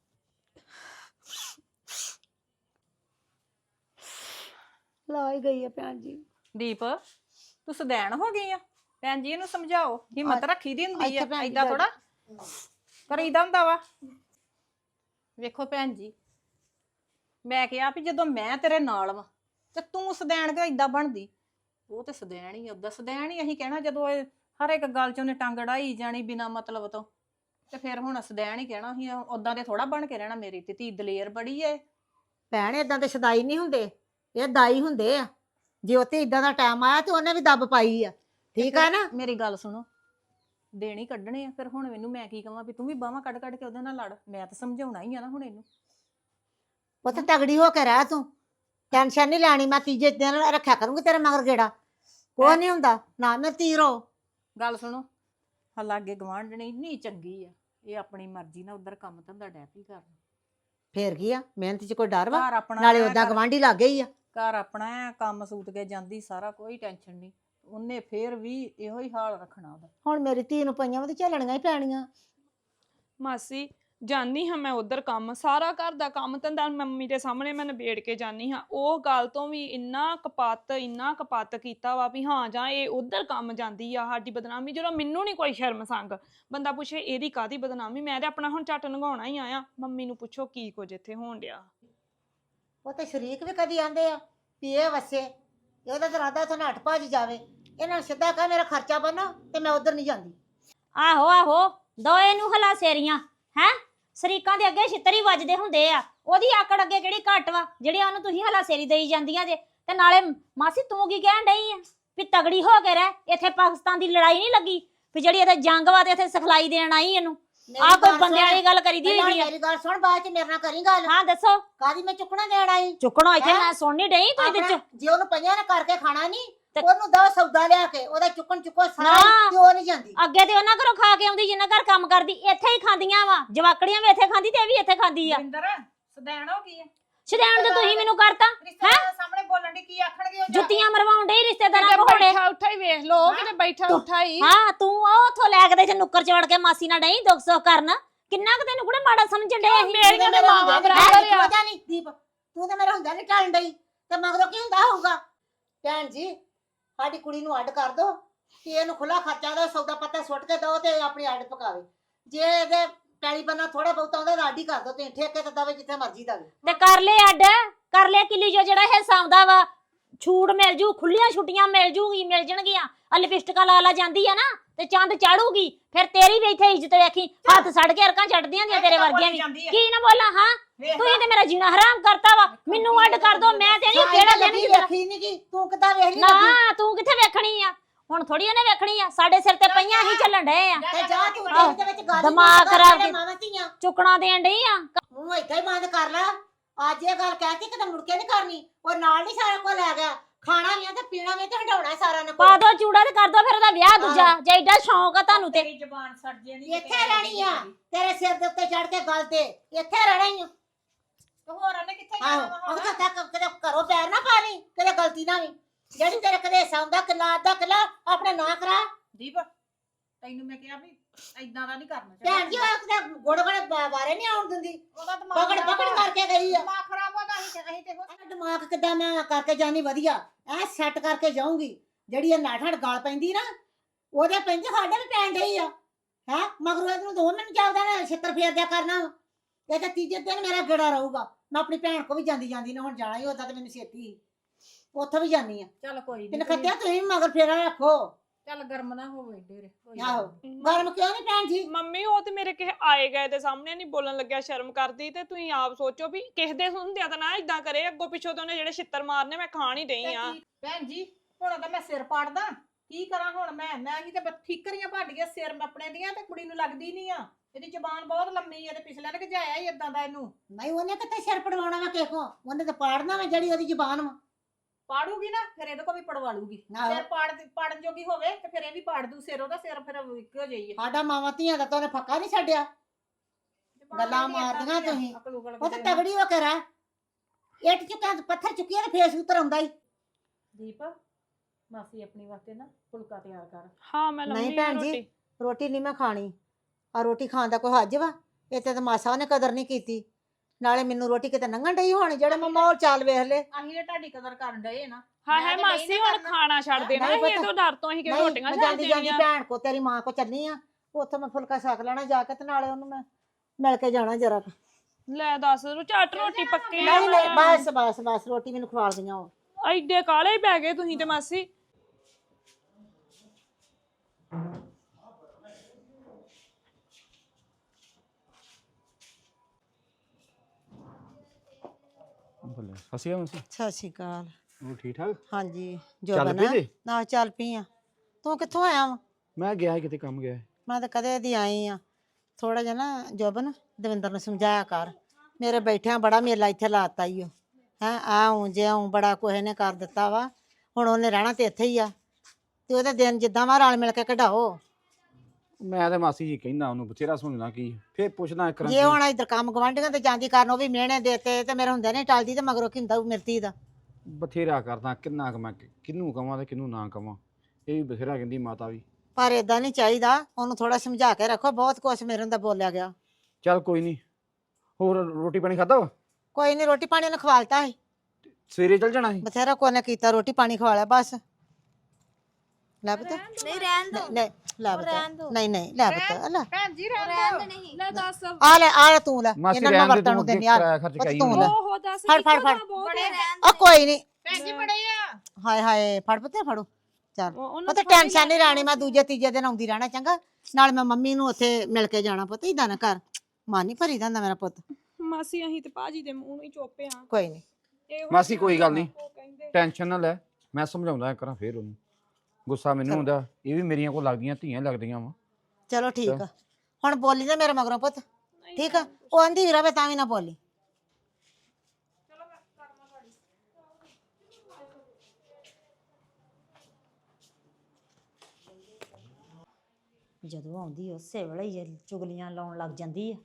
S3: ਲਾ ਹੀ ਗਈ ਆ ਭੈਣ ਜੀ।
S4: ਦੀਪ ਤੂੰ ਸਦੈਣ ਹੋ ਗਈ ਆ? ਭੈਣ ਜੀ ਇਹਨੂੰ ਸਮਝਾਓ, ਹਿੰਮਤ ਰੱਖੀ ਦੀ ਹੁੰਦੀ ਆ, ਏਦਾਂ ਥੋੜਾ ਕਰੀਦਾ ਹੁੰਦਾ ਵਾ। ਵੇਖੋ ਭੈਣ ਜੀ, ਮੈਂ ਕਿਹਾ ਵੀ ਜਦੋਂ ਮੈਂ ਤੇਰੇ ਨਾਲ ਵਾ ਤੇ ਤੂੰ ਸਦੈਣ ਕਿਉਂ ਏਦਾਂ ਬਣਦੀ? ਉਹ ਤੇ ਸਦੈਣ ਹੀ, ਓਦਾਂ ਸਦੈਣ ਹੀ ਅਸੀਂ ਕਹਿਣਾ। ਜਦੋਂ ਇਹ ਹਰ ਇੱਕ ਗੱਲ 'ਚ ਉਹਨੇ ਟੰਗ ਅੜਾਈ ਜਾਣੀ ਬਿਨਾਂ ਮਤਲਬ ਤੋਂ, ਤੇ ਫਿਰ ਹੁਣ ਸਦੈਣ ਹੀ ਕਹਿਣਾ ਸੀ। ਓਦਾਂ ਦੇ ਥੋੜਾ ਬਣ ਕੇ ਰਹਿਣਾ। ਮੇਰੀ ਤੇ ਧੀ ਦਲੇਰ ਬੜੀ ਏ।
S3: ਭੈਣ ਏਦਾਂ ਦੇ ਸਦਾਈ ਨਹੀਂ ਹੁੰਦੇ, ਇਹ ਦਾਈ ਹੁੰਦੇ ਆ। ਜੇ ਉੱਥੇ ਏਦਾਂ ਦਾ ਟਾਈਮ ਆਇਆ ਤੇ ਉਹਨੇ ਵੀ ਦੱਬ ਪਾਈ ਆ। ਠੀਕ ਆ ਨਾ?
S4: ਮੇਰੀ ਗੱਲ ਸੁਣੋ, ਦੇਣੀ ਕੱਢਣੇ ਆ। ਫਿਰ ਹੁਣ ਮੈਨੂੰ ਮੈਂ ਕੀ ਕਹਾਂ ਵੀ ਤੂੰ ਵੀ ਬਾਹਾਂ ਕੱਢ ਕੱਢ ਕੇ ਉਹਦੇ ਨਾਲ ਲੜ? ਮੈਂ ਤਾਂ ਸਮਝਾਉਣਾ ਹੀ ਆ ਨਾ ਹੁਣ ਇਹਨੂੰ।
S3: ਉੱਥੇ ਤਗੜੀ ਹੋ ਕੇ ਰਹਿ ਤੂੰ, ਟੈਨਸ਼ਨ ਨਹੀਂ ਲੈਣੀ। ਮੈਂ ਤੀਜੇ ਦਿਨ ਰੱਖਿਆ ਕਰੂੰਗੀ ਤੇਰੇ ਮਗਰ ਗੇੜਾ, ਕੋਈ ਨਹੀਂ ਹੁੰਦਾ ਨਾ। ਮੈਂ ਤੀਰੋ
S4: ਗੱਲ ਸੁਣੋ, ਹਾਲਾਂਗੇ ਗਵਾਂਢਣੀ ਨਹੀਂ ਚੰਗੀ ਆ। ਇਹ ਆਪਣੀ ਮਰਜ਼ੀ ਨਾਲ ਉਧਰ ਕੰਮ ਧੰਦਾ ਡੈ ਪਈ ਕਰਨ।
S3: ਫੇਰ ਕੀ ਆ, ਮਿਹਨਤ 'ਚ ਕੋਈ ਡਰ ਵਾ?
S4: ਘਰ ਆਪਣਾ
S3: ਨਾਲੇ ਓਦਾਂ ਗਵਾਂਢੀ ਲੱਗੇ ਹੀ ਆ।
S4: ਘਰ ਆਪਣਾ ਐ, ਕੰਮ ਸੂਤ ਕੇ ਜਾਂਦੀ ਸਾਰਾ, ਕੋਈ ਟੈਨਸ਼ਨ ਨਹੀਂ। ਉਹਨੇ ਫੇਰ ਵੀ ਇਹੋ ਹੀ ਹਾਲ ਰੱਖਣਾ ਉਹਦਾ।
S3: ਹੁਣ ਮੇਰੀ ਧੀ ਨੂੰ ਪਈਆਂ ਵਾ ਤੇ ਝੱਲਣੀਆਂ ਹੀ ਪੈਣੀਆਂ।
S1: ਮਾਸੀ ਜਾਨੀ ਹਾਂ ਮੈਂ ਉਧਰ ਕੰਮ, ਸਾਰਾ ਘਰ ਦਾ ਕੰਮ ਧੰਦਾ ਮੰਮੀ ਦੇ ਸਾਹਮਣੇ ਮੈਂ ਨਿਬੇੜ ਕੇ ਜਾਨੀ ਹਾਂ। ਉਹ ਗੱਲ ਤੋਂ ਵੀ ਇੰਨਾ ਕਪੱਤ ਇੰਨਾ ਕਪੱਤ ਕੀਤਾ ਵਾ ਵੀ ਹਾਂ ਜਾਂ ਇਹ ਉਧਰ ਕੰਮ ਜਾਂਦੀ ਆ, ਸਾਡੀ ਬਦਨਾਮੀ। ਜਦੋਂ ਮੈਨੂੰ ਨਹੀਂ ਕੋਈ ਸ਼ਰਮ ਸੰਗ, ਬੰਦਾ ਪੁੱਛੇ ਇਹਦੀ ਕਾਹਦੀ ਬਦਨਾਮੀ, ਮੈਂ ਤੇ ਆਪਣਾ ਹੁਣ ਝੱਟ ਨਗਾਉਣਾ ਹੀ ਆਇਆ। ਮੰਮੀ ਨੂੰ ਪੁੱਛੋ ਕੀ ਕੁਝ ਇੱਥੇ ਹੋਣ ਡਿਆ।
S3: ਉਹ ਤੇ ਸ਼ਰੀਕ ਵੀ ਕਦੀ ਆਂਦੇ ਆ ਵੀ ਇਹ ਵਸੇ, ਉਹਦਾ ਤਾਂ ਇਰਾਦਾ ਉੱਥੋਂ ਨੱਠ ਭੱਜ ਜਾਵੇ। ਇਹਨਾਂ ਨੂੰ ਸਿੱਧਾ ਕਹ ਮੇਰਾ ਖਰਚਾ ਬੰਨੋ ਤੇ ਮੈਂ ਉਧਰ ਨਹੀਂ ਜਾਂਦੀ।
S2: ਆਹੋ ਆਹੋ ਦੋ ਇਹਨੂੰ ਹਲਾ ਸੇਰੀਆਂ ਹੈ, ਸ਼ਰੀਕਾਂ ਦੇ ਅੱਗੇ ਛਿੱਤਰ ਹੀ ਵੱਜਦੇ ਹੁੰਦੇ ਆ। ਉਹਦੀ ਆਕੜ ਅੱਗੇ ਕਿਹੜੀ ਘੱਟ ਵਾ ਜਿਹੜੀ ਉਹਨੂੰ ਤੁਸੀਂ ਹਲਾ ਸੇਰੀ ਦੇਈ ਜਾਂਦੀਆਂ ਜੇ। ਤੇ ਨਾਲੇ ਮਾਸੀ ਤੂੰ ਕੀ ਕਹਿਣ ਡਈ ਆ ਵੀ ਤਗੜੀ ਹੋ ਕੇ ਰਹਿ, ਇੱਥੇ ਪਾਕਿਸਤਾਨ ਦੀ ਲੜਾਈ ਨਹੀਂ ਲੱਗੀ ਵੀ ਜਿਹੜੀ ਇੱਥੇ ਜੰਗ ਵਾ ਤੇ ਇੱਥੇ ਸਿਖਲਾਈ ਦੇਣ ਆਈ ਇਹਨੂੰ। ਆਹ ਕੋਈ ਬੰਦਿਆਂ ਵਾਲੀ ਗੱਲ ਕਰੀਦੀ ਹੋਈ ਆ।
S3: ਮੇਰੀ ਗੱਲ ਸੁਣ, ਬਾਅਦ ਚ ਮੇਰੇ ਨਾਲ ਕਰੀ ਗੱਲ।
S2: ਹਾਂ ਦੱਸੋ
S3: ਕਾਦੀ ਮੈਂ ਚੁੱਕਣਾ ਦੇਣ ਆਈ?
S2: ਚੁੱਕਣੋ ਇੱਥੇ
S3: ਹੈਂ?
S2: ਮੈਂ ਸੁਣਨੀ ਡਈ ਤੂੰ ਇਹਦੇ ਚ।
S3: ਜੇ ਉਹਨੂੰ ਪਈਆਂ ਨੇ ਕਰਕੇ ਖਾਣਾ ਨਹੀਂ,
S2: ਤੇ-
S3: ਉਹਨੂੰ ਦੋ ਸੌਦਾ ਲਿਆ ਕੇ ਉਹਦਾ ਚੁੱਕਣ ਚੁੱਕੋ ਸਾਰਾ
S2: ਨਾ।
S3: ਕਿਉਂ ਨਹੀਂ ਜਾਂਦੀ?
S2: ਅੱਗੇ ਤੇ ਉਹਨਾਂ ਘਰੋਂ ਖਾ ਕੇ ਆਉਂਦੀ ਜਿੰਨਾ ਘਰ ਕੰਮ ਕਰਦੀ, ਇੱਥੇ ਹੀ ਖਾਂਦੀਆਂ ਵਾ। ਜਵਾਕੜੀਆਂ ਵੀ ਇੱਥੇ ਖਾਂਦੀ ਤੇ ਇਹ ਵੀ ਇੱਥੇ ਖਾਂਦੀ ਆ।
S4: ਦਵਿੰਦਰ ਸਦੈਣ ਹੋ ਗਈ ਆ,
S2: ਸ਼ਦੈਣ ਤੇ ਤੁਸੀਂ ਮੈਨੂੰ ਕਰਤਾ
S4: ਰਿਸ਼ਤੇਦਾਰਾਂ ਦੇ ਸਾਹਮਣੇ ਬੋਲਣ ਦੀ ਕੀ ਆਖਣਗੇ ਉਹ ਜਾ ਕੇ?
S2: ਜੁੱਤੀਆਂ ਮਰਵਾਉਣ ਡਈ ਰਿਸ਼ਤੇਦਾਰਾਂ
S1: ਕਿਤੇ
S2: ਕੋ ਹੋਣੇ।
S1: ਬੈਠਾ ਉੱਠਾ ਹੀ ਵੇਖ ਲੋ, ਕਿਤੇ ਬੈਠਾ ਉੱਠਾ ਹੀ।
S2: ਹਾਂ ਤੂੰ ਉਹ ਉੱਥੋਂ ਲੈ ਕੇ ਤੇ ਇੱਥੇ ਨੁੱਕਰ ਚੜ ਕੇ ਮਾਸੀ ਨਾਲ ਡਈ ਦੁੱਖ ਸੁੱਖ ਕਰਨ। ਕਿੰਨਾ ਕੁ ਤੈਨੂੰ ਕੁੜੇ ਮਾੜਾ ਸਮਝਣ ਡਏ ਅਸੀਂ।
S1: ਮੇਰੀਆਂ ਤੇ ਮਾਵਾਂ ਬਰਾਬਰ ਆ।
S3: ਨਹੀਂ ਦੀਪ, ਤੂੰ ਤਾਂ ਮੇਰਾ ਹੁੰਦਾ ਨਹੀਂ ਟਾਲਣ ਡਈ ਤੇ ਮਗਰੋਂ ਕੀ ਹੁੰਦਾ ਹੋਊਗਾ? ਭੈਣ ਜੀ ਸਾਡੀ ਕੁੜੀ ਨੂੰ ਅੱਡ ਕਰ ਦੋ ਕਿ ਇਹਨੂੰ ਖੁੱਲਾ ਖਰਚਾ ਦੋ, ਸੌਦਾ ਪੱਤਾ ਸੁੱਟ ਕੇ ਦੋ ਤੇ ਆਪਣੀ ਅੱਡ ਪਕਾਵੇ। ਜੇ ਇਹਦੇ ਪੈਲੀ ਬੰਨਾ ਥੋੜਾ ਬਹੁਤਾ ਆਉਂਦਾ ਤਾਂ ਅੱਡ ਹੀ ਕਰ ਦੋ, ਤੇ ਠੇਕੇ ਤੇ ਦਵੇ ਜਿੱਥੇ ਮਰਜ਼ੀ ਦਵੇ।
S2: ਤੇ ਕਰ ਲੈ ਅੱਡ, ਕਰ ਲੈ ਕਿੱਲੀ ਜੋ ਜਿਹੜਾ ਹਿੱਸਾ ਆਉਂਦਾ ਵਾ। ਛੂਟ ਮਿਲ ਜੂ, ਖੁੱਲੀਆਂ ਛੁੱਟੀਆਂ ਮਿਲ ਜੂਗੀ, ਮਿਲ ਜਾਣਗੀਆਂ। ਆ ਲਿਪਸਟਿਕਾਂ ਲਾ ਲਾ ਜਾਂਦੀ ਆ ਨਾ ਤੇ ਚੰਦ ਚਾੜੂਗੀ, ਫਿਰ ਤੇਰੀ ਵੀ ਇੱਥੇ ਇੱਜ਼ਤ ਵੇਖੀ। ਹੱਥ ਸੜ ਕੇ ਅਰਕਾਂ ਛੱਡਦੀਆਂ ਦੀਆਂ ਤੇਰੇ ਵਰਗੀਆਂ ਵੀ। ਕੀ ਨਾ ਬੋਲਾਂ ਹਾਂ, ਤੁਸੀਂ ਤੇ ਮੇਰਾ ਜੀਣਾ ਹਰਾਮ ਕਰਤਾ ਵਾ। ਮੈਨੂੰ ਅੱਡ ਕਰ ਦੋ, ਮੈਂ ਤੇ ਨਹੀਂ ਕਿਹੜਾ ਦਿਨ
S3: ਲੱਗੀ ਵੇਖੀ ਨਹੀਂ ਕੀ ਤੂੰ ਕਿੱਦਾਂ ਵੇਖ ਲਈ
S2: ਨਾ
S3: ਲੱਗੀ?
S2: ਤੂੰ ਕਿੱਥੇ ਵੇਖਣੀ ਆ, ਹੁਣ ਥੋੜੀ ਉਹਨੇ ਵੇਖਣੀ ਆ। ਸਾਡੇ ਸਿਰ ਤੇ ਪਈਆਂ ਹੀ ਚੱਲਣ ਡਏ ਆ।
S3: ਤੇ ਜਾ ਤੂੰ ਦਿਲ ਦੇ ਵਿੱਚ ਗੱਲ
S2: ਦਿਮਾਗ ਖਰਾਬ ਕੀ-
S3: ਮਾਵਾਂ ਧੀਆਂ
S2: ਚੁੱਕਣਾ ਦੇਣ ਡਈ ਆ।
S3: ਮੂੰਹ ਏਦਾਂ ਹੀ ਬੰਦ ਕਰ ਲੈ। ਅੱਜ ਇਹ ਗੱਲ ਕਹਿਤੀ ਕਿਤੇ ਮੁੜ ਕੇ ਨਹੀਂ ਕਰਨੀ। ਉਹ ਨਾਲ ਨਹੀਂ ਸਾਰਾ ਕੁਝ ਲੈ ਗਿਆ, ਖਾਣਾ ਵੀ ਆ ਤੇ ਪੀਣਾ ਵੀ ਤੇ ਹਟਾਉਣਾ ਸਾਰਾ ਨੇ।
S2: ਪਾ ਦੋ ਚੂੜਾ ਤੇ ਕਰ ਦੋ ਫਿਰ ਉਹਦਾ ਵਿਆਹ ਦੂਜਾ, ਜੇ ਏਡਾ ਸ਼ੌਂਕ ਆ ਤੁਹਾਨੂੰ ਤੇ।
S4: ਤੇਰੀ ਜ਼ਬਾਨ ਸੜ ਜੇ ਨਹੀਂ
S3: ਇੱਥੇ ਰਹਿਣੀ ਆ, ਤੇਰੇ ਸਿਰ ਦੇ ਉੱਤੇ ਚੜ ਕੇ ਗੱਲ ਤੇ ਇੱਥੇ ਰਹਿਣਾ ਹੀ ਆ।
S4: ਤੇ ਹੋਰ ਉਹਨੇ ਕਿੱਥੇ
S3: ਆਹੋ
S4: ਜਾਣਾ ਵਾ
S3: ਉਹ
S4: ਹੁਣ?
S3: ਤਾਂ ਤੱਕ ਕਦੇ ਘਰੋਂ ਪੈਰ ਨਾ ਪਾ ਲਈ, ਕਦੇ ਗਲਤੀ ਨਾ ਵੀ। ਜਿਹੜੀ ਤੇਰੇ ਕਦੇ ਸੌਂਦਾ ਕਿਲਾ ਅੱਧਾ ਕਿਲਾ ਆਪਣੇ ਨਾਂ ਕਰਾ।
S4: ਦੀਪ ਤੈਨੂੰ ਮੈਂ ਕਿਹਾ ਵੀ ਏਦਾਂ ਦਾ ਨਹੀਂ ਕਰਨਾ
S3: ਭੈਣ ਜੀ ਉਹ ਕਿਤੇ ਗੁੜ ਗੁੜ ਬਾਰੇ ਨਹੀਂ ਆਉਣ ਦਿੰਦੀ।
S4: ਉਹਦਾ ਦਿਮਾਗ
S3: ਪਕੜ
S4: ਖਰਾਬ
S3: ਪਕੜ
S4: ਆ।
S3: ਕਰਕੇ ਗਈ ਆ।
S4: ਦਿਮਾਗ ਖਰਾਬ ਹੋਦਾ ਅਸੀਂ ਅਸੀਂ ਤੇ ਹੋਰ-
S3: ਦਿਮਾਗ ਕਿੱਦਾਂ ਮੈਂ ਕਰਕੇ ਜਾਨੀ ਵਧੀਆ ਐ ਸੈੱਟ ਕਰਕੇ ਜਾਊਂਗੀ। ਜਿਹੜੀ ਇਹ ਨਾਠੜ ਗਾਲ ਪੈਂਦੀ ਨਾ ਉਹਦੇ ਪੈਂਦੀ ਸਾਡੇ ਵੀ ਪੈਣ ਡਈ ਆ ਹੈ। ਮਗਰੋਂ ਇਹਨੂੰ ਦੋ ਮਿੰਟ ਚੱਲਦਾ ਨਾ ਛਿੱਤਰ ਫੇਰ ਦਿਆ ਕਰਨਾ ਵਾ। ਇਹ ਤਾਂ ਤੀਜੇ ਦਿਨ ਮੇਰਾ ਗੇੜਾ ਰਹੂਗਾ। ਮੈਂ ਆਪਣੀ ਭੈਣ ਕੋ ਵੀ ਜਾਂਦੀ ਜਾਂਦੀ ਨਾ ਹੁਣ ਜਾਣਾ ਹੀ ਉਦਾਂ ਤੇ ਮੈਨੂੰ ਛੇਤੀ ਸੀ। ਉੱਥੋਂ ਵੀ ਜਾਨੀ ਆ।
S4: ਚੱਲ ਕੋਈ
S3: ਤੈਨੂੰ
S4: ਨਹੀਂ
S3: ਖੱਤਿਆ ਤੁਸੀਂ ਵੀ ਮਗਰ ਫੇਰਾ ਰੱਖੋ।
S4: ਚੱਲ ਗਰਮ ਨਾ ਹੋਵੇ ਢੇਰੇ
S3: ਆਹੋ ਗਰਮ ਕਿਉਂ ਨਹੀਂ ਭੈਣ ਜੀ?
S1: ਮੰਮੀ ਉਹ ਤੇ ਮੇਰੇ ਕਿਸੇ ਆਏ ਗਏ ਦੇ ਸਾਹਮਣੇ ਨਹੀਂ ਬੋਲਣ ਲੱਗਿਆ ਸ਼ਰਮ ਕਰਦੀ। ਤੇ ਤੁਸੀਂ ਆਪ ਸੋਚੋ ਵੀ ਕਿਸੇ ਦੇ ਸੁਣਦਿਆਂ ਤਾਂ ਨਾ ਇਦਾਂ ਕਰੇ। ਅੱਗੋਂ ਪਿੱਛੋਂ ਤੋਂ ਉਹਨੇ ਜਿਹੜੇ ਛਿੱਤਰ ਮਾਰਨੇ ਮੈਂ ਖਾਣ ਹੀ ਡਈ ਆ।
S4: ਭੈਣ ਜੀ ਹੁਣ ਤਾਂ ਮੈਂ ਸਿਰ ਪਾੜਦਾ ਕੀ ਕਰਾਂ ਹੁਣ ਮੈਂ ਮੈਂ ਹੀ ਤੇ ਠੀਕਰੀਆਂ ਭੱਡ ਗਿਆ ਸਿਰ ਮੈਂ ਆਪਣੇ ਦੀਆਂ ਤੇ ਕੁੜੀ ਨੂੰ ਲੱਗਦੀ ਨਹੀਂ ਆ। ਇਹਦੀ ਜ਼ਬਾਨ ਬਹੁਤ ਲੰਮੀ ਹੈ ਤੇ ਪਿਛਲੇ ਨੇ ਗਜਾਇਆ ਹੀ ਇਦਾਂ ਦਾ ਇਹਨੂੰ।
S3: ਨਹੀਂ ਉਹਨੇ ਕਿੱਥੇ ਸਿਰ ਪੜਵਾਉਣਾ ਵਾ ਕਿਸੇ ਕੋ, ਉਹਨੇ ਤਾਂ ਪਾੜਨਾ ਵਾ ਜਿਹੜੀ ਉਹਦੀ ਜ਼ਬਾਨ ਵਾ।
S4: ਪਾੜੂਗੀ ਨਾ ਫਿਰ ਇਹਦੇ ਕੋ ਵੀ ਪੜਵਾ ਲੂਗੀ।
S3: ਆਹੋ।
S4: ਸਿਰ ਪਾੜ ਪਾੜਨ ਜੋਗੀ ਹੋਵੇ ਤੇ ਫਿਰ ਇਹ ਵੀ ਪਾੜ ਦੂ ਸਿਰ ਉਹਦਾ ਸਿਰ ਫਿਰ ਇੱਕੋ ਜਿਹੀ ਹੈ।
S3: ਸਾਡਾ ਮਾਵਾਂ ਧੀਆਂ ਦਾ ਤਾਂ ਉਹਨੇ ਫੱਕਾ ਨਹੀਂ ਛੱਡਿਆ। ਗੱਲਾਂ ਮਾਰਦੀਆਂ ਤੁਸੀਂ। ਉਹ ਤਾਂ ਤਗੜੀ ਹੋ ਕੇ ਰਹਿ। ਇੱਟ ਚੁੱਕਿਆ ਪੱਥਰ ਚੁੱਕਿਆ ਤੇ ਫੇਸ ਉਤਰ ਆਉਂਦਾ ਹੀ।
S4: ਦੀਪ ਮਾਸੀ ਆਪਣੀ ਵਾਸਤੇ ਨਾ ਫੁਲਕਾ ਤਿਆਰ ਕਰ।
S1: ਹਾਂ ਮੈਂ
S3: ਨਹੀਂ
S1: ਲੰਮੀ ਆ
S3: ਭੈਣ ਜੀ,
S1: ਰੋਟੀ।
S3: ਰੋਟੀ ਨਹੀਂ ਮੈਂ ਖਾਣੀ। ਆ ਰੋਟੀ ਖਾਣ ਦਾ ਕੋਈ ਹੱਜ ਵਾ? ਇੱਥੇ ਤਾਂ ਮਾਸਾ ਉਹਨੇ ਕਦਰ ਨਹੀਂ ਕੀਤੀ। ਨਾਲੇ ਮੈਨੂੰ ਰੋਟੀ ਕਿਤੇ ਲੰਘਣ ਡਈ ਹੋਣੀ ਜਿਹੜੇ ਮੈਂ ਮਾਹੌਲ ਚਾਲ ਵੇਖ ਲੈ।
S4: ਅਸੀਂ ਇਹ ਤੁਹਾਡੀ ਕਦਰ ਕਰਨ ਡਏ ਨਾ।
S1: ਹਾਂ
S4: ਮੈਂ
S1: ਹੈ
S4: ਤੇ
S1: ਮਾਸੀ
S4: ਨਹੀਂ
S1: ਹੁਣ
S4: ਕਰਨਾ।
S1: ਖਾਣਾ ਛੱਡ ਦੇਣਾ
S3: ਨਹੀਂ
S1: ਇਹ
S3: ਪਤਾ।
S1: ਤੋਂ ਡਰ ਤੋਂ ਅਸੀਂ ਕਿ
S3: ਨਹੀਂ
S1: ਰੋਟੀਆਂ
S3: ਮੈਂ
S1: ਛੱਡ
S3: ਜਾਂਦੀ ਜਾਂਦੀ
S1: ਦੇਣੀਆਂ।
S3: ਭੈਣ ਕੋ ਤੇਰੀ ਮਾਂ ਕੋ ਚੱਲਨੀ ਆ। ਉੱਥੇ ਮੈਂ ਫੁਲਕਾ ਛਕ ਲੈਣਾ ਜਾ ਕੇ ਤੇ ਨਾਲੇ ਉਹਨੂੰ ਮੈਂ ਮਿਲ ਕੇ ਜਾਣਾ ਜਰਾ।
S1: ਲੈ ਦੱਸ ਝੱਟ ਰੋਟੀ ਪੱਕੀ ਆ।
S3: ਨਹੀਂ ਨਹੀਂ ਬਸ ਬਸ ਬਸ ਰੋਟੀ ਮੈਨੂੰ ਖਵਾਲ ਗਈਆਂ ਉਹ।
S1: ਐਡੇ ਕਾਲੇ ਹੀ ਪੈ ਗਏ ਤੁਸੀਂ ਤੇ ਮਾਸੀ।
S5: ਬੱਲੇ ਫਸਿਆ ਮੈਂ
S3: ਸਤਿ ਸ਼੍ਰੀ ਅਕਾਲ।
S5: ਉਹ ਠੀਕ ਠਾਕ
S3: ਹਾਂਜੀ
S5: ਚੱਲ
S3: ਜੋਬਨ
S5: ਪਏ ਜੇ?
S3: ਨਾ ਚੱਲ ਪਈ ਆ। ਤੂੰ ਕਿੱਥੋਂ ਆਇਆ ਵਾ?
S5: ਮੈਂ ਗਿਆ ਸੀ ਕਿਤੇ ਕੰਮ ਗਿਆ ਸੀ।
S3: ਮੈਂ ਤਾਂ ਕਦੇ ਦੀ ਆਈ ਆ। ਥੋੜਾ ਜਿਹਾ ਨਾ ਜੋਬਨ ਦਵਿੰਦਰ ਨੂੰ ਸਮਝਾਇਆ ਕਰ। ਮੇਰੇ ਬੈਠਿਆਂ ਬੜਾ ਮੇਲਾ ਇੱਥੇ ਲਾਤਾ ਈ ਓ ਹੈ। ਆਉਂ ਜਿਉਂ ਬੜਾ ਕੋਹੇ ਨੇ ਕਰ ਦਿੱਤਾ ਵਾ। ਹੁਣ ਉਹਨੇ ਰਹਿਣਾ ਤੇ ਇੱਥੇ ਹੀ ਆ ਤੇ ਉਹਦੇ ਦਿਨ ਜਿੱਦਾਂ ਵਾ ਰਲ ਮਿਲ ਕੇ ਕਢਾਓ।
S5: ਮੈਂ ਤੇ ਮਾਸੀ ਜੀ ਕਹਿੰਦਾ ਉਹਨੂੰ ਬਥੇਰਾ ਸੁਣਨਾ ਕੀ ਫੇਰ ਪੁੱਛਣਾ ਇੱਕ
S3: ਜੇ ਹੁਣ ਇੱਧਰ ਕੰਮ ਗਵਾਂਢੀਆਂ ਤੇ ਜਾਂਦੀ ਕਰਨ ਉਹ ਵੀ ਮਿਹਣੇ ਦੇਤੇ ਤੇ ਮੇਰੇ ਹੁੰਦੇ ਨੇ ਟਲਦੀ ਤੇ ਮਗਰੋਂ ਕੀ ਹੁੰਦਾ ਮਿਰਤੀ ਦਾ।
S5: ਬਥੇਰਾ ਕਰਦਾ ਕਿੰਨਾ ਕੁ ਮੈਂ ਕਿਹਨੂੰ ਕਵਾਂ ਤੇ ਕਿਹਨੂੰ ਨਾ ਕਵਾਂ। ਇਹ ਵੀ ਬਥੇਰਾ ਕਹਿੰਦੀ ਮਾਤਾ ਵੀ।
S3: ਪਰ ਏਦਾਂ ਨਹੀਂ ਚਾਹੀਦਾ। ਉਹਨੂੰ ਥੋੜਾ ਸਮਝਾ ਕੇ ਰੱਖੋ। ਬਹੁਤ ਕੁਛ ਮੇਰੇ ਹੁੰਦਾ ਬੋਲਿਆ ਗਿਆ।
S5: ਚੱਲ ਕੋਈ ਨਹੀਂ। ਹੋਰ ਰੋਟੀ ਪਾਣੀ ਖਾਦਾ ਵਾ?
S3: ਕੋਈ ਨਹੀਂ, ਰੋਟੀ ਪਾਣੀ ਉਹਨੇ ਖਵਾਲਤਾ ਸੀ,
S5: ਸਵੇਰੇ ਚੱਲ ਜਾਣਾ ਸੀ।
S3: ਬਥੇਰਾ ਕੋਨੇ ਕੀਤਾ, ਰੋਟੀ ਪਾਣੀ ਖਵਾ ਲਿਆ ਬਸ। ਲੈ ਪੁੱਤ,
S2: ਨਹੀਂ ਰਹਿਣ ਦੋ
S3: ਨਹੀਂ ਲੈ ਪੁੱਤ, ਨਹੀਂ ਨਹੀਂ ਲੈ ਪੁੱਤ, ਲੈ
S4: ਭੈਣ ਜੀ ਰਹਿਣ
S2: ਰਹਿਣ
S4: ਦਿਓ।
S2: ਦੇ ਨਹੀਂ
S1: ਲੈ ਦੱਸ
S3: ਆ ਲੈ ਆ ਲੈ ਤੂੰ ਲੈ,
S5: ਮਾਸੀ
S3: ਇਹਨਾਂ ਨੂੰ
S5: ਰਹਿਣ ਦੇ,
S3: ਵਰਤਣ
S5: ਤੂੰ
S3: ਨੂੰ
S5: ਅੱਗੇ
S3: ਦਿੰਦੀ ਆ
S5: ਕਿਰਾਇਆ ਖਰਚ ਕੇ ਆਈ
S3: ਤੂੰ
S5: ਹੋਣੀ।
S3: ਲੈ
S1: ਉਹ ਦੱਸ
S3: ਫੜ, ਫੜ,
S1: ਕਿੱਥੋਂ
S3: ਫੜ।
S1: ਦਾ ਬਹੁਤ
S2: ਬੜੇ
S1: ਹੈ।
S2: ਰਹਿਣ
S3: ਆ ਕੋਈ ਨਹੀਂ,
S4: ਭੈਣ ਜੀ ਬੜੇ ਆ।
S3: ਹਾਏ ਹਾਏ ਫੜ ਪੁੱਤ ਫੜੋ ਚੱਲ
S1: ਉਹ- ਉਹਨਾਂ
S3: ਪੁੱਤ,
S1: ਤੋਂ ਫੜ ਹੀ
S3: ਟੈਨਸ਼ਨ ਨਹੀਂ ਲੈਣੀ, ਮੈਂ ਦੂਜੇ ਤੀਜੇ ਦਿਨ ਆਉਂਦੀ ਰਹਿਣਾ ਚੰਗਾ। ਨਾਲ ਮੈਂ ਮੰਮੀ ਨੂੰ ਉੱਥੇ ਮਿਲ ਕੇ ਜਾਣਾ ਪੁੱਤ, ਇਦਾਂ ਨਾ ਕਰ, ਮਨ ਨਹੀਂ ਭਰੀਦਾ ਹੁੰਦਾ ਮੇਰਾ ਪੁੱਤ।
S1: ਮਾਸੀ ਅਸੀਂ ਤੇ ਭਾਜੀ ਦੇ ਮੂੰਹ ਨੂੰ ਹੀ ਚੋਪੇ ਆ।
S3: ਕੋਈ ਨਹੀਂ,
S1: ਇਹੋ
S5: ਮਾਸੀ ਕੋਈ ਗੱਲ ਨਹੀਂ,
S1: ਉਹ ਕਹਿੰਦੇ
S5: ਟੈਨਸ਼ਨ ਨਾ ਲੈ, ਮੈਂ ਸਮਝਾਉਂਦਾ ਇੱਕ ਵਾਰ ਫੇਰ ਉਹਨੂੰ। ਗੁੱਸਾ ਮੈਨੂੰ ਹੁੰਦਾ, ਇਹ ਵੀ ਮੇਰੀਆਂ ਕੋਲ ਲੱਗਦੀਆਂ ਧੀਆਂ ਲੱਗਦੀਆਂ ਵਾ।
S3: ਚਲੋ ਠੀਕ ਆ, ਹੁਣ ਬੋਲੀ ਨਾ ਮੇਰੇ ਮਗਰੋਂ ਪੁੱਤ, ਠੀਕ ਆ? ਉਹ ਆਂਦੀ ਵੀ ਰਵੇ ਤਾਂ ਵੀ ਨਾ ਬੋਲੀ।
S2: ਜਦੋਂ ਆਉਂਦੀ ਉਸੇ ਵੇਲੇ ਹੀ ਇਹ ਚੁਗਲੀਆਂ ਲਾਉਣ ਲੱਗ ਜਾਂਦੀ ਆ।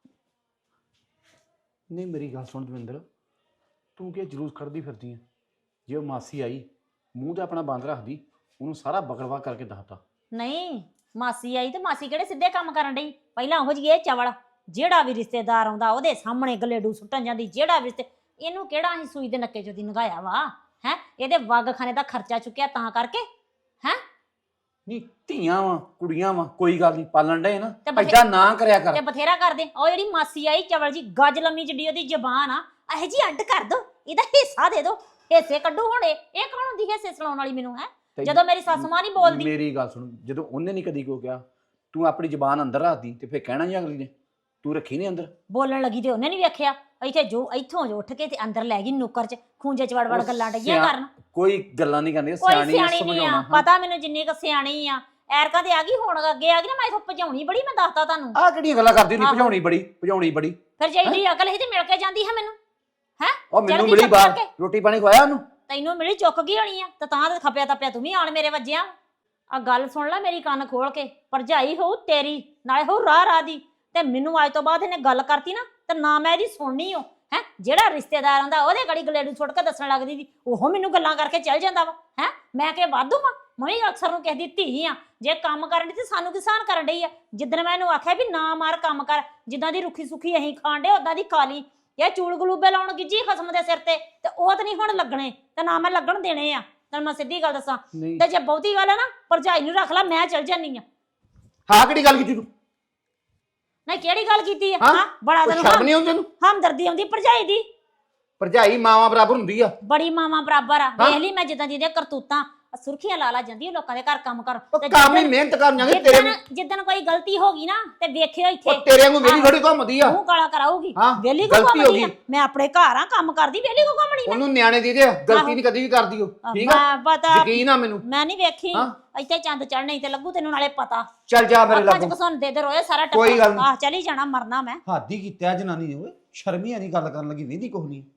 S5: ਨਹੀਂ ਮੇਰੀ ਗੱਲ ਸੁਣ ਦਵਿੰਦਰ, ਤੂੰ ਕੀ ਜਲੂਸ ਕੱਢਦੀ ਫਿਰਦੀ ਹੈ? ਜੇ ਉਹ ਮਾਸੀ ਆਈ, ਮੂੰਹ ਤੇ ਆਪਣਾ ਬੰਦ ਰੱਖਦੀ, ਉਹਨੂੰ ਸਾਰਾ ਬਕੜਵਾ ਕਰਕੇ ਦੱਸਤਾ।
S2: ਨਹੀਂ ਮਾਸੀ ਆਈ ਤੇ ਮਾਸੀ ਕਿਹੜੇ ਸਿੱਧੇ ਕੰਮ ਕਰਨ ਡਈ? ਪਹਿਲਾਂ ਉਹ ਜੀ ਇਹ ਚਵਲ, ਜਿਹੜਾ ਵੀ ਰਿਸ਼ਤੇਦਾਰ ਆਉਂਦਾ ਉਹਦੇ ਸਾਹਮਣੇ ਗਲੇਡੂ ਸੁੱਟਣ ਜਾਂਦੀ, ਜਿਹੜਾ ਵੀ ਰਿਸ਼ਤੇ, ਇਹਨੂੰ ਕਿਹੜਾ ਅਸੀਂ ਸੂਈ ਦੇ ਨੱਕੇ ਚੋਂ ਦੀ ਨਗਾਇਆ ਵਾ ਹੈ? ਇਹਦੇ ਵਗ ਖਾਨੇ ਦਾ ਖਰਚਾ ਚੁੱਕਿਆ ਤਾਂ ਕਰਕੇ ਹੈ।
S5: ਨਹੀਂ ਧੀਆਂ ਵਾ, ਕੁੜੀਆਂ ਵਾ, ਕੋਈ ਗੱਲ ਨਹੀਂ, ਪਾਲਣ ਡੇ ਨਾ,
S2: ਤੇ ਬਥੇ-
S5: ਐਦਾਂ ਨਾ ਕਰਿਆ ਕਰ।
S2: ਤੇ ਬਥੇਰਾ ਕਰਦੇ। ਉਹ ਜਿਹੜੀ ਮਾਸੀ ਆਈ ਚਵਲ ਜੀ, ਗੱਜ ਲੰਮੀ ਜਿੱਡੀ ਉਹਦੀ ਜ਼ਬਾਨ ਆ, ਇਹ ਜੀ ਅੱਡ ਕਰ ਦੋ, ਇਹਦਾ ਹਿੱਸਾ ਦੇ ਦੋ, ਹਿੱਸੇ ਕੱਢੋ ਹੁਣ। ਇਹ ਇਹ ਕੌਣ ਹੁੰਦੀ ਹਿੱਸੇ ਸੁਣਾਉਣ ਵਾਲੀ ਮੈਨੂੰ ਹੈ?
S5: ਤੇ
S2: ਜਦੋਂ ਮੇਰੀ ਸੱਸ ਮਾਂ ਨਹੀਂ ਬੋਲਦੀ।
S5: ਮੇਰੀ ਗੱਲ ਸੁਣ, ਜਦੋਂ ਉਹਨੇ ਨਹੀਂ ਕਦੀ ਕੋ ਕਿਹਾ, ਤੂੰ ਆਪਣੀ ਜ਼ਬਾਨ ਅੰਦਰ ਰੱਖਦੀ ਤੇ ਫੇਰ ਕਹਿਣਾ ਹੀ ਅਗਲੀ ਨੇ, ਤੂੰ ਰੱਖੀ ਨਹੀਂ ਅੰਦਰ।
S2: ਬੋਲਣ ਲੱਗੀ ਤੇ ਉਹਨੇ ਨਹੀਂ ਵੇਖਿਆ, ਇੱਥੇ ਜੋ ਇੱਥੋਂ ਜੋ ਉੱਠ ਕੇ ਤੇ ਅੰਦਰ ਲੈ ਗਈ ਨੁੱਕਰ ਚ, ਖੂੰਜੇ ਚ ਵੜ ਵੜ ਗੱਲਾਂ ਡਈਆਂ
S5: ਸਿਆ-
S2: ਕਰਨ।
S5: ਕੋਈ ਗੱਲਾਂ ਨਹੀਂ ਕਰਨੀ,
S2: ਕੋਈ
S5: ਸਿਆਣੀ ਆ,
S2: ਸਿਆਣੀ ਨਹੀਂ ਆ,
S5: ਸਮਝਾਉਣਾ। ਹਾਂ।
S2: ਪਤਾ ਮੈਨੂੰ ਜਿੰਨੀ ਕੁ ਸਿਆਣੀ ਆ। ਐਰਕਾ ਤੇ ਆ ਗਈ, ਹੁਣ ਅੱਗੇ ਆ ਗਈ ਨਾ, ਮੈਂ ਇਥੋਂ ਭਜਾਉਣੀ ਬੜੀ, ਮੈਂ ਦੱਸਤਾ ਤੁਹਾਨੂੰ।
S5: ਆਹ ਕਿਹੜੀਆਂ ਗੱਲਾਂ ਕਰਦੀ ਨਹੀਂ,
S2: ਆਹੋ।
S5: ਭਜਾਉਣੀ ਬੜੀ, ਭਜਾਉਣੀ ਬੜੀ।
S2: ਫਿਰ ਜੇ ਇਹਦੀ ਅਕਲ ਸੀ ਤੇ ਮਿਲ ਕੇ ਜਾਂਦੀ ਹੈ ਮੈਨੂੰ ਹੈ।
S5: ਉਹ ਮੈਨੂੰ
S2: ਚੜ੍ਹਦੀ
S5: ਮਿਲੀ
S2: ਚੁੱਪ
S5: ਬਾਹਰ,
S2: ਕਰਕੇ।
S5: ਰੋਟੀ ਪਾਣੀ ਖਵਾਇਆ ਉਹਨੂੰ।
S2: ਤੈਨੂੰ ਮਿਲੀ ਚੁੱਕ ਗਈ ਹੋਣੀ ਆ, ਤੇ ਤਾਂ ਤੇ ਖਪਿਆ ਤਪਿਆ ਤੂੰ ਵੀ ਆਣ ਮੇਰੇ ਵੱਜਿਆ। ਆ ਗੱਲ ਸੁਣ ਲੈ ਮੇਰੀ, ਕੰਨ ਖੋਲ ਕੇ। ਭਰਜਾਈ ਹੋਊ ਤੇਰੀ, ਨਾਲੇ ਹੋਊ ਰਾਹ ਰਾਹ ਦੀ, ਤੇ ਮੈਨੂੰ ਅੱਜ ਤੋਂ ਬਾਅਦ ਇਹਨੇ ਗੱਲ ਕਰਤੀ ਨਾ, ਤੇ ਨਾ ਮੈਂ ਇਹਦੀ ਸੁਣਨੀ ਓ ਹੈ। ਜਿਹੜਾ ਰਿਸ਼ਤੇਦਾਰ ਆਂਦਾ ਉਹਦੇ ਗੜੀ ਗਲੇਡੂ ਸੁੱਟ ਕੇ ਦੱਸਣ ਲੱਗਦੀ ਦੀ, ਉਹ ਮੈਨੂੰ ਗੱਲਾਂ ਕਰਕੇ ਚੱਲ ਜਾਂਦਾ ਵਾ ਹੈ। ਮੈਂ ਕਿ ਵਾਧੂ ਆ, ਮੈਂ ਵੀ ਅਕਸਰ ਨੂੰ ਕਿਸੇ ਦੀ ਧੀ ਆ। ਜੇ ਕੰਮ ਕਰਨ ਦੀ ਤੇ ਸਾਨੂੰ ਕਿਸਾਨ ਕਰਨ ਡਈ ਆ। ਜਿੱਦਣ ਮੈਂ ਇਹਨੂੰ ਆਖਿਆ ਵੀ ਨਾ ਮਾਰ, ਕੰਮ ਕਰ, ਜਿੱਦਾਂ ਦੀ ਰੁੱਖੀ ਸੁੱਖੀ ਅਸੀਂ ਖਾਣ ਡੇ ਉਦਾਂ ਦੀ ਖਾ ਲਈ। ਇਹ ਚੂਲ ਗਲੂਬੇ ਲਾਉਣ ਗਿੱਜੀ ਖਸਮ ਦੇ ਸਿਰ ਤੇ, ਤੇ ਉਹ ਤੇ ਨਹੀਂ ਹੁਣ ਲੱਗਣੇ, ਤੇ ਨਾ ਮੈਂ ਲੱਗਣ ਦੇਣੇ ਆ। ਤੈਨੂੰ ਮੈਂ ਸਿੱਧੀ ਗੱਲ ਦੱਸਾਂ,
S5: ਨਹੀਂ
S2: ਤੇ ਜੇ ਬਹੁਤੀ ਗੱਲ ਆ ਨਾ, ਭਰਜਾਈ ਨੂੰ ਰੱਖ ਲੈ, ਮੈਂ ਚਲ ਜਾਨੀ ਆ।
S5: ਹਾਂ ਕਿਹੜੀ ਗੱਲ ਕੀਤੀ ਤੂੰ?
S2: ਨਹੀਂ ਕਿਹੜੀ ਗੱਲ ਕੀਤੀ ਆ?
S5: ਹਾਂ?
S2: ਹਾਂ ਬੜਾ
S5: ਕੋਈ
S2: ਤੈਨੂੰ
S5: ਸ਼ਰਮ
S2: ਹਮ-
S5: ਨਹੀਂ ਆਉਂਦੀ ਤੈਨੂੰ?
S2: ਹਮਦਰਦੀ ਆਉਂਦੀ ਭਰਜਾਈ ਦੀ।
S5: ਭਰਜਾਈ ਮਾਵਾਂ ਬਰਾਬਰ ਹੁੰਦੀ ਆ।
S2: ਬੜੀ ਮਾਵਾਂ ਬਰਾਬਰ ਆ।
S5: ਹਾਂ?
S2: ਵੇਖ ਲਈ ਮੈਂ ਜਿੱਦਾਂ ਦੀਆਂ ਕਰਤੂਤਾਂ, ਆਹ ਸੁਰਖੀਆਂ ਲਾ ਲਾ ਜਾਂਦੀ ਆ ਲੋਕਾਂ ਦੇ ਘਰ ਕੰਮ ਕਰ।
S5: ਉਹ
S2: ਤੇ
S5: ਕੰਮ ਹੀ
S2: ਜਿੱਦਣ-
S5: ਮਿਹਨਤ ਕਰਨ ਜਾਂਦੇ ਤੇਰੇ ਨੂੰ।
S2: ਜਿੱਦਣ ਜਿੱਦਣ ਕੋਈ ਗਲਤੀ ਹੋ ਗਈ ਨਾ, ਤੇ ਵੇਖਿਓ ਇੱਥੇ
S5: ਉਹ ਤੇਰੇ ਵਾਂਗੂ ਮੇਰੀ
S2: ਆਹੋ।
S5: ਥੋੜੀ ਘੁੰਮਦੀ ਆ।
S2: ਮੂੰਹ ਕਾਲਾ ਕਰਾਊਗੀ।
S5: ਹਾਂ,
S2: ਵੇਲੀ ਕੋ
S5: ਗਲਤੀ ਹੋ
S2: ਘੁੰਮਣੀ ਆ?
S5: ਗਈ।
S2: ਮੈਂ ਆਪਣੇ ਘਰ ਆ, ਕੰਮ ਕਰਦੀ, ਵੇਲੀ ਕੋ ਘੁੰਮਣੀ ਮੈਂ?
S5: ਉਹਨੂੰ ਨਿਆਣੇ ਦੀ ਦੇ ਗਲਤੀ
S2: ਆਹੋ।
S5: ਨਹੀਂ ਕਦੀ ਵੀ ਕਰਦੀ ਉਹ, ਠੀਕ ਆ?
S2: ਮੈਂ ਪਤਾ,
S5: ਯਕੀਨ ਆ ਮੈਨੂੰ।
S2: ਮੈਂ ਨਹੀਂ ਵੇਖੀ।
S5: ਹਾਂ?
S2: ਇੱਥੇ ਚੰਦ ਚੜ੍ਹਨੇ ਤੇ ਲੱਗੂ ਤੈਨੂੰ, ਨਾਲੇ ਪਤਾ।
S5: ਚੱਲ ਜਾ ਮੇਰੇ
S2: ਅੱਖਾਂ ਚ
S5: ਲਾਗੋਂ।
S2: ਘਸੁੰਨ ਦੇ ਦੇ ਰੋਏ ਸਾਰਾ
S5: ਕੋਈ ਗੱਲ ਨੀ।
S2: ਆਹ ਚਲੀ ਜਾਣਾ, ਮਰਨਾ ਮੈਂ।
S5: ਹੱਦ ਹੀ ਕੀਤਾ ਜਨਾਨੀ ਨੇ ਓਏ, ਸ਼ਰਮ ਹੀ ਨਹੀਂ ਗੱਲ ਕਰਨ ਲੱਗੀ, ਵੇਂਦੀ ਕੁਛ ਨਹੀਂ।